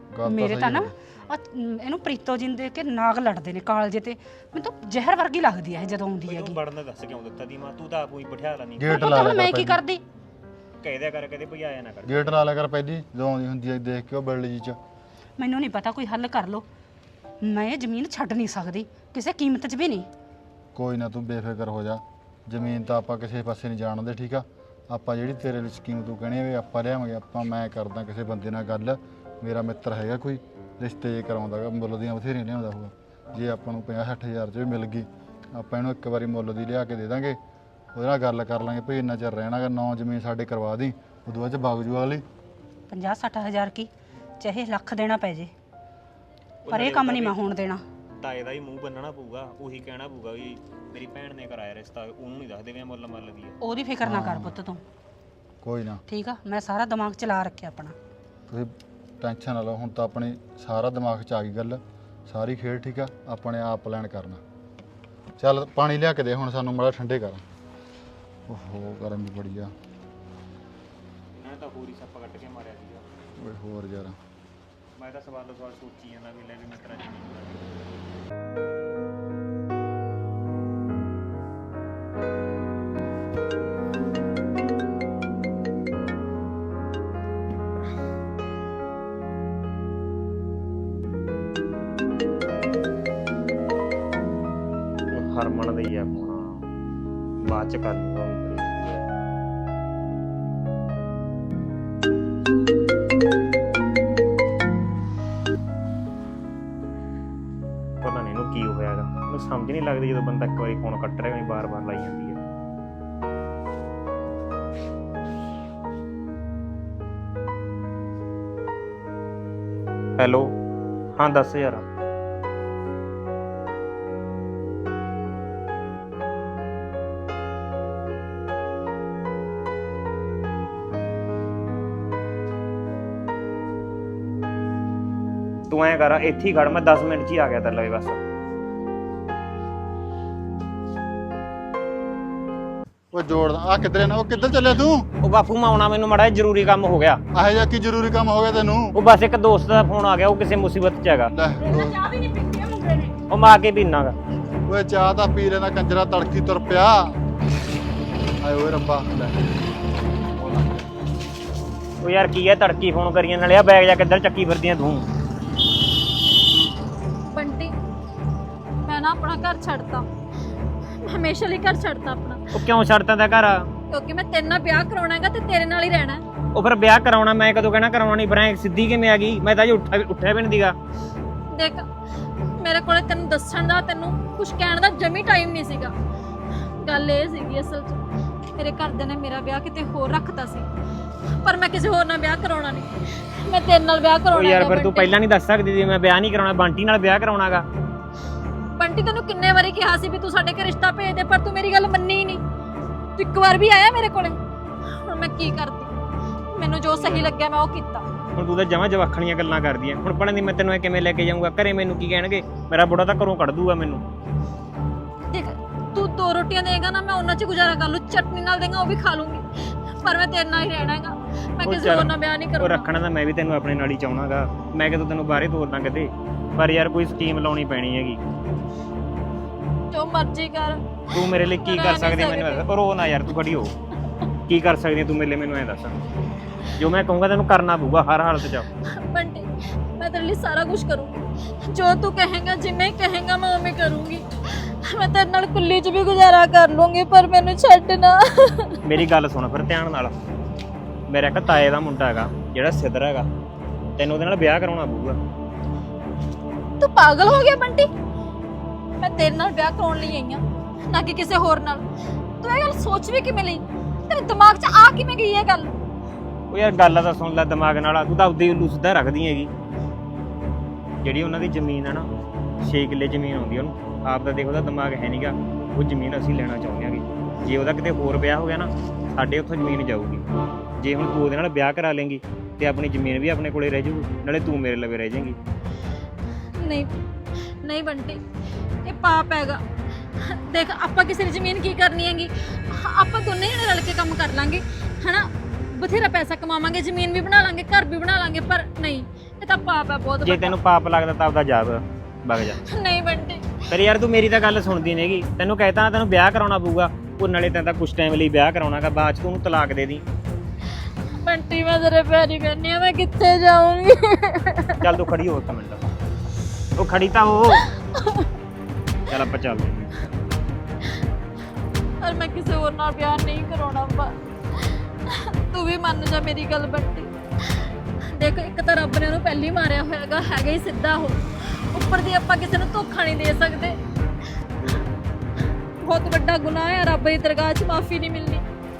F: ਗੱਲ
E: ਮੇਰੇ
F: ਸਹੀ
E: ਤਾਂ ਨਾ
F: ਹੈ।
E: ਇਹਨੂੰ ਪ੍ਰੀਤੋ ਜੀ ਨੂੰ ਦੇਖ ਕੇ ਨਾਗ ਲੜਦੇ ਨੇ ਕਾਲਜੇ ਤੇ। ਮੈਨੂੰ ਤਾਂ ਜ਼ਹਿਰ ਵਰਗੀ ਲੱਗਦੀ ਹੈ ਇਹ ਜਦੋਂ ਆਉਂਦੀ ਹੈਗੀ।
B: ਤੂੰ ਬੜਨ ਦਾ ਦੱਸ ਕਿਉਂ ਦਿੱਤਾ ਦੀ ਮਾਂ, ਤੂੰ ਤਾਂ ਆਪੂ ਹੀ ਬਿਠਾ ਲੈਣੀ।
F: ਗੇਟ
E: ਪੁੱਤ
F: ਲਾ
E: ਹੁਣ
F: ਲਿਆ
E: ਮੈਂ
F: ਕਰ
E: ਕੀ
F: ਪਹਿਲੀ।
E: ਕਰਦੀ?
B: ਕਹਿ ਦਿਆ ਕਰ ਕਦੇ ਭਈ ਆਇਆ ਨਾ ਕਰ।
F: ਗੇਟ ਲਾ ਲਿਆ ਕਰ ਪਹਿਲੀ, ਜਦੋਂ ਆਉਂਦੀ ਹੁੰਦੀ ਹੈ ਦੇਖ ਕੇ ਉਹ ਬਿਲਡ ਜੀ ਚ।
E: ਮੈਨੂੰ ਨਹੀਂ ਪਤਾ, ਕੋਈ ਹੱਲ ਕਰ ਲੋ। ਮੈਂ ਇਹ ਜ਼ਮੀਨ ਛੱਡ ਨਹੀਂ ਸਕਦੀ ਕਿਸੇ ਕੀਮਤ 'ਚ ਵੀ ਨਹੀਂ।
F: ਕੋਈ ਨਾ ਤੂੰ ਬੇਫਿਕਰ ਹੋ ਜਾ, ਜ਼ਮੀਨ ਤਾਂ ਆਪਾਂ ਕਿਸੇ ਪਾਸੇ ਨਹੀਂ ਜਾਣਦੇ, ਠੀਕ ਆ। ਆਪਾਂ ਜਿਹੜੀ ਤੇਰੇ ਲਈ ਸਕੀਮ ਤੂੰ ਕਹਿਣੀ ਵੀ ਆਪਾਂ ਲਿਆਵਾਂਗੇ, ਆਪਾਂ ਮੈਂ ਕਰਦਾ ਕਿਸੇ ਬੰਦੇ ਨਾਲ ਗੱਲ। ਮੇਰਾ ਮਿੱਤਰ ਹੈਗਾ ਕੋਈ ਰਿਸ਼ਤੇ ਕਰਾਉਂਦਾ ਗਾ, ਮੁੱਲ ਦੀਆਂ ਬਥੇਰੀਆਂ ਲਿਆਉਂਦਾ ਹੋਊਗਾ। ਜੇ ਆਪਾਂ ਨੂੰ 50-60 ਹਜ਼ਾਰ 'ਚ ਵੀ ਮਿਲ ਗਈ, ਆਪਾਂ ਇਹਨੂੰ ਇੱਕ ਵਾਰੀ ਮੁੱਲ ਦੀ ਲਿਆ ਕੇ ਦੇ ਦਾਂਗੇ। ਉਹਦੇ ਨਾਲ ਗੱਲ ਕਰ ਲਾਂਗੇ ਭਈ ਇੰਨਾ ਚਿਰ ਰਹਿਣਾਗਾ, 9 ਜ਼ਮੀਨ ਸਾਡੇ ਕਰਵਾ ਦੀ, ਉਦੋਂ ਬਾਅਦ 'ਚ ਬਾਗਜੂ ਵਾਲੀ
E: 50-60 ਹਜ਼ਾਰ ਕੀ ਚਾਹੇ ਲੱਖ ਦੇਣਾ ਪੈ ਜੇ, ਪਰ ਇਹ ਕੰਮ ਨਹੀਂ ਮੈਂ ਹੋਣ ਦੇਣਾ।
B: ਤਾਏ ਦਾ ਹੀ ਮੂੰਹ ਬੰਨਣਾ ਪਊਗਾ, ਉਹੀ ਕਹਿਣਾ ਪਊਗਾ ਵੀ ਮੇਰੀ ਭੈਣ ਨੇ ਕਰਾਇਆ ਰਿਸ਼ਤਾ, ਉਹਨੂੰ ਨਹੀਂ ਦੱਸਦੇ ਵੀ ਮੁੱਲ ਮੱਲ ਦੀ ਆ।
E: ਉਹਦੀ ਫਿਕਰ ਨਾ ਕਰ ਪੁੱਤ ਤੂੰ,
F: ਕੋਈ ਨਾ।
E: ਠੀਕ ਆ। ਮੈਂ ਸਾਰਾ ਦਿਮਾਗ ਚਲਾ ਰੱਖਿਆ ਆਪਣਾ।
F: ਤੁਸੀਂ ਟੈਨਸ਼ਨ ਨਾ ਲਓ, ਹੁਣ ਤਾਂ ਆਪਣੀ ਸਾਰਾ ਦਿਮਾਗ 'ਚ ਆ ਗਈ ਗੱਲ, ਸਾਰੀ ਖੇਡ, ਠੀਕ ਆ। ਆਪਣੇ ਆਪ ਪਲਾਨ ਕਰਨਾ। ਚੱਲ ਪਾਣੀ ਲਿਆ ਕੇ ਦੇ ਹੁਣ ਸਾਨੂੰ, ਮਾੜਾ ਠੰਡੇ ਕਰ। ਓਹੋ ਗਰਮੀ ਬੜੀ ਆ।
B: ਇਹਨਾਂ ਨੇ ਤਾਂ ਹੋਰ ਹੀ ਸੱਪ ਕੱਟ ਕੇ ਮਾਰਿਆ ਸੀਗਾ।
F: ਓਏ ਹੋਰ ਯਾਰ,
B: ਮੈਂ ਤਾਂ ਸਵਾਲ ਸੋਚੀ ਜਾਂਦਾ ਵੀ ਲੈ ਵੀ ਮੈਂ ਤੇਰਾ ਜ਼ਮੀਨ ਹਰਮਨ ਦੇ ਹੀ ਆ ਫੋਨ, ਬਾਅਦ ਚ ਕਰ ਲੂੰਗਾ। ਪਤਾ ਨਹੀਂ ਇਹਨੂੰ ਕੀ ਹੋਇਆ ਹੈਗਾ, ਮੈਨੂੰ ਸਮਝ ਨਹੀਂ ਲੱਗਦੀ ਜਦੋਂ ਬੰਦਾ ਇੱਕ ਵਾਰੀ ਫੋਨ ਕੱਟ ਰਿਹਾ ਹੋਵੇ ਬਾਰ-ਬਾਰ ਲਾਈ ਜਾਂਦੀ ਹੈ। ਹੈਲੋ, ਹਾਂ ਦੱਸ ਯਾਰ। ਤੂੰ ਐਂ ਕਰ, ਇੱਥੇ ਹੀ ਖੜ, ਮੈਂ 10 ਮਿੰਟ 'ਚ ਹੀ ਆ ਗਿਆ ਤੇਰੇ ਲਈ ਬਸ।
F: ਓਏ ਜੋੜ ਆ ਕਿੱਧਰੇ ਨਾ, ਉਹ ਕਿੱਧਰ ਚੱਲਿਆ ਤੂੰ?
B: ਉਹ ਬਾਪੂ ਮੈਂ ਆਉਣਾ, ਮੈਨੂੰ ਮਾੜਾ ਜਿਹਾ ਜ਼ਰੂਰੀ ਕੰਮ ਹੋ ਗਿਆ।
F: ਆਹੇ ਜਾ ਕੀ ਜ਼ਰੂਰੀ ਕੰਮ ਹੋ ਗਿਆ ਤੈਨੂੰ?
B: ਉਹ ਬਸ ਇੱਕ ਦੋਸਤ ਦਾ ਫੋਨ ਆ ਗਿਆ, ਉਹ ਕਿਸੇ ਮੁਸੀਬਤ 'ਚ ਹੈਗਾ।
F: ਲੈ
E: ਚਾਹ ਵੀ ਨਹੀਂ ਪੀਤੀ ਮੁੰਡੇ ਨੇ।
B: ਉਹ ਮੈਂ ਆ ਕੇ ਪੀਨਾਗਾ।
F: ਓਏ ਚਾਹ ਤਾਂ ਪੀ ਲੈਣਾ ਕੰਜਰਾ, ਤੜਕੀ ਤੁਰ ਪਿਆ। ਆਏ ਓਏ ਰੱਬਾ, ਲੈ
B: ਉਹ ਯਾਰ ਕੀ ਹੈ ਤੜਕੀ ਫੋਨ ਕਰੀਆਂ ਨਾਲੇ ਆ ਬੈਗ ਜਾ ਕਿੱਧਰ ਚੱਕੀ ਫਿਰਦੀਆਂ ਤੂੰ?
G: ਬੰਟੀ, ਮੈਂ ਨਾ ਆਪਣਾ ਘਰ ਛੱਡਤਾ, ਹਮੇਸ਼ਾ ਲਈ ਘਰ ਛੱਡਤਾ ਆਪਣਾ,
B: ਉਹ ਕਿਉਂ ਛੱਡਤਾ ਦਾ ਘਰ?
G: ਕਿਉਂਕਿ ਮੈਂ ਤੇਰੇ ਨਾਲ ਵਿਆਹ ਕਰਾਉਣਾ ਹੈਗਾ ਤੇ ਤੇਰੇ ਨਾਲ ਹੀ ਰਹਿਣਾ ਹੈ।
B: ਉਹ ਫਿਰ ਵਿਆਹ ਕਰਾਉਣਾ ਮੈਂ ਕਦੋਂ ਕਹਿਣਾ ਕਰਾਉਣਾ ਨਹੀਂ, ਫਿਰ ਸਿੱਧੀ ਕਿਵੇਂ ਆ ਗਈ? ਮੈਂ ਤਾਂ ਜੀ ਉੱਠਿਆ ਵੀ ਨਹੀਂ ਦੀਗਾ।
G: ਦੇਖ, ਮੇਰੇ ਕੋਲੇ ਤੈਨੂੰ ਦੱਸਣ ਦਾ, ਤੈਨੂੰ ਕੁਝ ਕਹਿਣ ਦਾ ਜਮੀ ਟਾਈਮ ਨਹੀਂ ਸੀਗਾ। ਗੱਲ ਇਹ ਸੀਗੀ ਅਸਲ 'ਚ ਮੇਰੇ ਘਰਦਿਆਂ ਨੇ ਮੇਰਾ ਵਿਆਹ ਕਿਤੇ ਹੋਰ ਰੱਖਤਾ ਸੀ, ਪਰ ਮੈਂ ਕਿਸੇ ਹੋਰ ਨਾਲ ਵਿਆਹ ਕਰਾਉਣਾ ਨਹੀਂ, ਮੈਂ ਤੇਰੇ ਨਾਲ ਵਿਆਹ
B: ਉਹ
G: ਕਰਾਉਣਾ
B: ਯਾਰ
G: ਹੈਗਾ।
B: ਫਿਰ ਤੂੰ ਪਹਿਲਾਂ ਨਹੀਂ ਦੱਸ ਸਕਦੀ ਸੀ ਮੈਂ ਵਿਆਹ ਨਹੀਂ ਕਰਾਉਣਾ, ਬੰਟੀ ਨਾਲ ਵਿਆਹ ਕਰਾਉਣਾਗਾ।
G: ਬੰਟੀ, ਤੈਨੂੰ ਕਿੰਨੇ ਵਾਰੀ ਕਿਹਾ ਸੀ ਵੀ ਤੂੰ ਸਾਡੇ ਘਰ ਰਿਸ਼ਤਾ ਭੇਜ ਦੇ, ਪਰ ਤੂੰ ਮੇਰੀ ਗੱਲ ਮੰਨੀ ਹੀ ਨਹੀਂ। ਤੂੰ ਇੱਕ ਵਾਰ ਵੀ ਆਇਆ ਮੇਰੇ ਕੋਲੇ। ਹੁਣ ਮੈਂ ਕੀ ਕਰਦੀ? ਮੈਨੂੰ ਜੋ ਸਹੀ ਲੱਗਿਆ ਮੈਂ ਉਹ ਕੀਤਾ।
B: ਹੁਣ ਤੂੰ ਤਾਂ ਜਮਾਂ ਜਵਾਖਣੀਆਂ ਗੱਲਾਂ ਕਰਦੀ ਐ। ਹੁਣ ਪੜਨ ਦੀ ਮੈਂ ਤੈਨੂੰ ਇਹ ਕਿਵੇਂ ਲੈ ਕੇ ਜਾਊਂਗਾ? ਘਰੇ ਮੈਨੂੰ ਕੀ ਕਹਿਣਗੇ? ਮੇਰਾ ਬੁੜਾ ਤਾਂ ਘਰੋਂ ਕੱਢ ਦੂਗਾ ਮੈਨੂੰ।
G: ਦੇਖ, ਤੂੰ 2 ਰੋਟੀਆਂ ਦੇਗਾ ਨਾ, ਮੈਂ ਉਹਨਾਂ 'ਚ ਗੁਜ਼ਾਰਾ ਕਰ ਲੂ, ਚਟਨੀ ਨਾਲ ਦੇਗਾ ਉਹ ਵੀ ਖਾ ਲੂੰਗੀ, ਪਰ ਮੈਂ ਤੇਰੇ ਨਾਲ ਹੀ ਰਹਿਣਾ ਹੈਗਾ। ਮੈਂ
B: ਉਹ
G: ਕਿਸੇ
B: ਚੱਲ,
G: ਹੋਰ ਨਾਲ ਵਿਆਹ ਨਹੀਂ
B: ਉਹ
G: ਕਰੂੰਗਾ।
B: ਰੱਖਣਾ ਤਾਂ ਮੈਂ ਵੀ ਤੈਨੂੰ ਆਪਣੇ ਨਾਲ ਹੀ ਚਾਹਣਾਗਾ। ਮੈਂ ਕਿਦੋਂ ਤੈਨੂੰ ਬਾਹਰੇ ਤੋਰਨਾ ਕਿਤੇ, ਪਰ ਯਾਰ ਕੋਈ ਸਕੀਮ ਲਾਉਣੀ ਪੈਣੀ ਹੈਗੀ।
G: ਜੋ ਮਰਜ਼ੀ ਕਰ।
B: ਤੂੰ ਮੇਰੇ ਲਈ ਕੀ ਕਰ ਸਕਦੀ ਮੈਨੂੰ ਦੱਸ। ਪਰ ਉਹ ਨਾ ਯਾਰ, ਤੂੰ ਖੜੀ ਹੋ, ਕੀ ਕਰ ਸਕਦੀ ਤੂੰ ਮੇਰੇ ਲਈ? ਮੈਨੂੰ ਐਂ ਦੱਸ। ਜੋ ਮੈਂ ਕਹੂੰਗਾ ਤੈਨੂੰ ਕਰਨਾ ਪਊਗਾ ਹਰ ਹਾਲਤ 'ਚ।
G: ਬੰਟੀ, ਮੈਂ ਤੇਰੇ ਲਈ ਸਾਰਾ ਕੁਝ ਕਰੂੰਗੀ, ਜੋ ਤੂੰ ਕਹੇਗਾ, ਜਿਵੇਂ ਕਹੇਗਾ ਮੈਂ ਉਵੇਂ ਕਰੂੰਗੀ। ਮੈਂ ਤੇਰੇ ਨਾਲ ਕੁੱਲੀ 'ਚ ਵੀ ਗੁਜ਼ਾਰਾ ਕਰ ਲੂੰਗੀ, ਪਰ ਮੈਨੂੰ ਛੱਡ ਨਾ।
B: ਮੇਰੀ ਗੱਲ ਸੁਣ ਫਿਰ ਧਿਆਨ ਨਾਲ। ਮੇਰਾ ਇੱਕ ਤਾਏ ਦਾ ਮੁੰਡਾ ਹੈਗਾ ਜਿਹੜਾ ਸਿੱਧਰ ਹੈਗਾ, ਤੈਨੂੰ ਉਹਦੇ ਨਾਲ ਵਿਆਹ ਕਰਾਉਣਾ ਪਊਗਾ।
G: ਤੂੰ ਪਾਗਲ ਹੋ ਗਿਆ ਬੰਟੀ? ਮੈਂ ਤੇਰੇ ਨਾਲ ਵਿਆਹ ਕਰਾਉਣ ਲਈ ਆਈ ਹਾਂ, ਨਾ ਕਿ ਕਿਸੇ ਹੋਰ ਨਾਲ। ਤੂੰ ਇਹ ਗੱਲ ਸੋਚ ਵੀ ਕਿਵੇਂ ਲਈ? ਤੇਰੇ ਦਿਮਾਗ 'ਚ ਆ ਕਿਵੇਂ ਗਈ ਇਹ ਗੱਲ?
B: ਉਹ ਯਾਰ ਗੱਲ ਤਾਂ ਸੁਣ ਲੈ ਦਿਮਾਗ ਨਾਲ। ਤੂੰ ਤਾਂ ਆਪਦੀ ਉੱਲੂ ਸਿੱਧਾ ਰੱਖਦੀ ਹੈਗੀ। ਜਿਹੜੀ ਉਹਨਾਂ ਦੀ ਜ਼ਮੀਨ ਹੈ ਨਾ, 6 ਕਿੱਲੇ ਜ਼ਮੀਨ ਆਉਂਦੀ ਉਹਨੂੰ, ਆਪ ਦਾ ਦੇਖ ਉਹਦਾ ਦਿਮਾਗ ਹੈ ਨਹੀਂਗਾ। ਉਹ ਜ਼ਮੀਨ ਅਸੀਂ ਲੈਣਾ ਚਾਹੁੰਦੇ ਹਾਂਗੇ। ਜੇ ਉਹਦਾ ਕਿਤੇ ਹੋਰ ਵਿਆਹ ਹੋ ਗਿਆ ਨਾ, ਸਾਡੇ ਉੱਥੋਂ ਜ਼ਮੀਨ ਜਾਊਗੀ। ਜੇ ਹੁਣ ਤੂੰ ਉਹਦੇ ਨਾਲ ਵਿਆਹ ਕਰਾ ਲੇਂਗੀ ਤੇ ਆਪਣੀ ਜ਼ਮੀਨ ਵੀ ਆਪਣੇ ਕੋਲੇ ਰਹਿ ਜਾਊਗੀ, ਨਾਲੇ ਤੂੰ ਮੇਰੇ ਲਵੇ ਰਹਿ ਜਾਏਂਗੀ।
G: ਨਹੀਂ ਨਹੀਂ ਬੰਟੀ, ਇਹ ਪਾਪ ਹੈਗਾ। ਦੇਖ, ਆਪਾਂ ਕਿਸੇ ਦੀ ਜ਼ਮੀਨ ਕੀ ਕਰਨੀ ਹੈਗੀ? ਆਪਾਂ ਦੋਨੇ ਜਣੇ ਰਲ ਕੇ ਕੰਮ ਕਰ ਲਾਂਗੇ, ਹਨਾ? ਬਥੇਰਾ ਪੈਸਾ ਕਮਾਵਾਂਗੇ, ਜ਼ਮੀਨ ਵੀ ਬਣਾ ਲਾਂਗੇ, ਘਰ ਵੀ ਬਣਾ ਲਾਂਗੇ, ਪਰ ਨਹੀਂ, ਇਹ ਤਾਂ ਪਾਪ ਹੈ ਬਹੁਤ
B: ਜੇ
G: ਵੱਡਾ।
B: ਤੈਨੂੰ ਪਾਪ ਲੱਗਦਾ ਤਾਂ ਆਪਦਾ ਜਾ ਵਗ ਜਾ।
G: ਨਹੀਂ ਬੰਟੀ,
B: ਪਰ ਯਾਰ ਤੂੰ ਮੇਰੀ ਤਾਂ ਗੱਲ ਸੁਣਦੀ ਨਹੀਂਗੀ। ਤੈਨੂੰ ਕਹਿਤਾ ਨਾ ਤੈਨੂੰ ਵਿਆਹ ਕਰਾਉਣਾ ਪਊਗਾ, ਉਹ ਨਾਲੇ ਤੈਨੂੰ ਤਾਂ ਕੁਝ ਟਾਈਮ ਲਈ ਵਿਆਹ ਕਰਾਉਣਾਗਾ, ਬਾਅਦ ਚ ਤੂੰ ਉਹਨੂੰ ਤਲਾਕ ਦੇ ਦੀ।
G: ਬੰਟੀ ਮੈਂ ਤੇਰੇ ਪੈਰੀ ਪੈਣੀ ਆ, ਮੈਂ ਕਿੱਥੇ ਜਾਊਂਗੀ?
B: ਚੱਲ ਤੂੰ ਖੜੀ ਹੋ ਇੱਕ ਮਿੰਟ। ਉਹ ਖੜੀ ਤਾਂ ਹੋ। ਚੱਲ ਆਪਾਂ ਚੱਲਦੇ ਹਾਂ।
G: ਔਰ ਮੈਂ ਕਿਸੇ ਹੋਰ ਨਾਲ ਵਿਆਹ ਨਹੀਂ ਕਰਾਉਣਾ ਬਾ। ਤੂੰ ਵੀ ਮੰਨ ਜਾ ਮੇਰੀ ਗੱਲ ਬੰਟੀ। ਦੇਖ ਇੱਕ ਤਾਂ ਰੱਬ ਨੇ ਉਹਨੂੰ ਪਹਿਲੀ ਮਾਰਿਆ ਹੋਇਆਗਾ, ਹੈਗਾ ਹੀ ਸਿੱਧਾ ਉਹ। ਉੱਪਰ ਦੀ ਆਪਾਂ ਕਿਸੇ ਨੂੰ ਧੋਖਾ ਨਹੀਂ ਦੇ ਸਕਦੇ। ਬਹੁਤ ਵੱਡਾ ਗੁਨਾਹ ਹੈ, ਰੱਬ ਦੀ ਦਰਗਾਹ 'ਚ ਮਾਫੀ ਨਹੀਂ ਮਿਲਣੀ।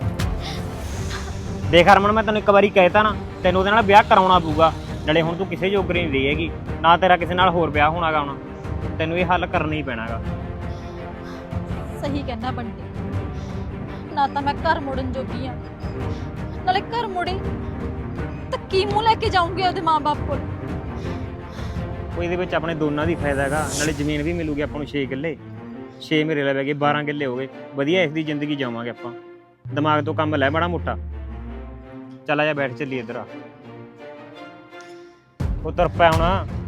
B: ਦੇਖ ਹਰਮਨ, ਮੈਂ ਤੈਨੂੰ ਇੱਕ ਵਾਰੀ ਕਹਿਤਾ ਨਾ, ਤੈਨੂੰ ਉਹਦੇ ਨਾਲ ਵਿਆਹ ਕਰਾਉਣਾ ਪਊਗਾ। ਨਾਲੇ ਹੁਣ ਤੂੰ ਕਿਸੇ ਜੋਗਰੀ ਨਹੀਂ ਰਹੀ ਹੈਗੀ, ਨਾ ਤੇਰਾ ਕਿਸੇ ਨਾਲ ਹੋਰ ਵਿਆਹ ਹੋਣਾਗਾ ਹੁਣ। ਤੈਨੂੰ ਇਹ ਹੱਲ ਕਰਨਾ ਹੀ ਪੈਣਾਗਾ।
G: ਸਹੀ ਕਹਿਣਾ ਬੰਟੀ, ਨਾ ਤਾਂ ਮੈਂ ਘਰ ਮੁੜਨ ਜੋਗੀ ਆ, ਨਾਲੇ ਘਰ ਮੁੜੀ ਤਾਂ ਕੀ ਮੂੰਹ ਲੈ ਕੇ ਜਾਊਂਗੀ ਉਹਦੇ ਮਾਂ-ਬਾਪ ਕੋਲ।
B: ਉਹ ਇਹਦੇ ਵਿੱਚ ਆਪਣੇ ਦੋਨਾਂ ਦੀ ਫਾਇਦਾ ਹੈਗਾ, ਨਾਲੇ ਜ਼ਮੀਨ ਵੀ ਮਿਲੂਗੀ ਆਪਾਂ ਨੂੰ 6 ਕਿੱਲੇ। 6 ਮੇਰੇ ਲੈ ਗਏ 12 ਕਿੱਲੇ ਹੋ ਗਏ, ਵਧੀਆ ਇਸ ਦੀ ਜ਼ਿੰਦਗੀ ਜਾਵਾਂਗੇ ਆਪਾਂ। ਦਿਮਾਗ ਤੋਂ ਕੰਮ ਲੈ ਮਾੜਾ ਮੋਟਾ। ਚੱਲ ਆ ਜਾ ਬੈਠ ਚੱਲੀ ਇੱਧਰ ਆ। ਉਹ ਤੁਰ ਪਿਆ ਹੁਣ।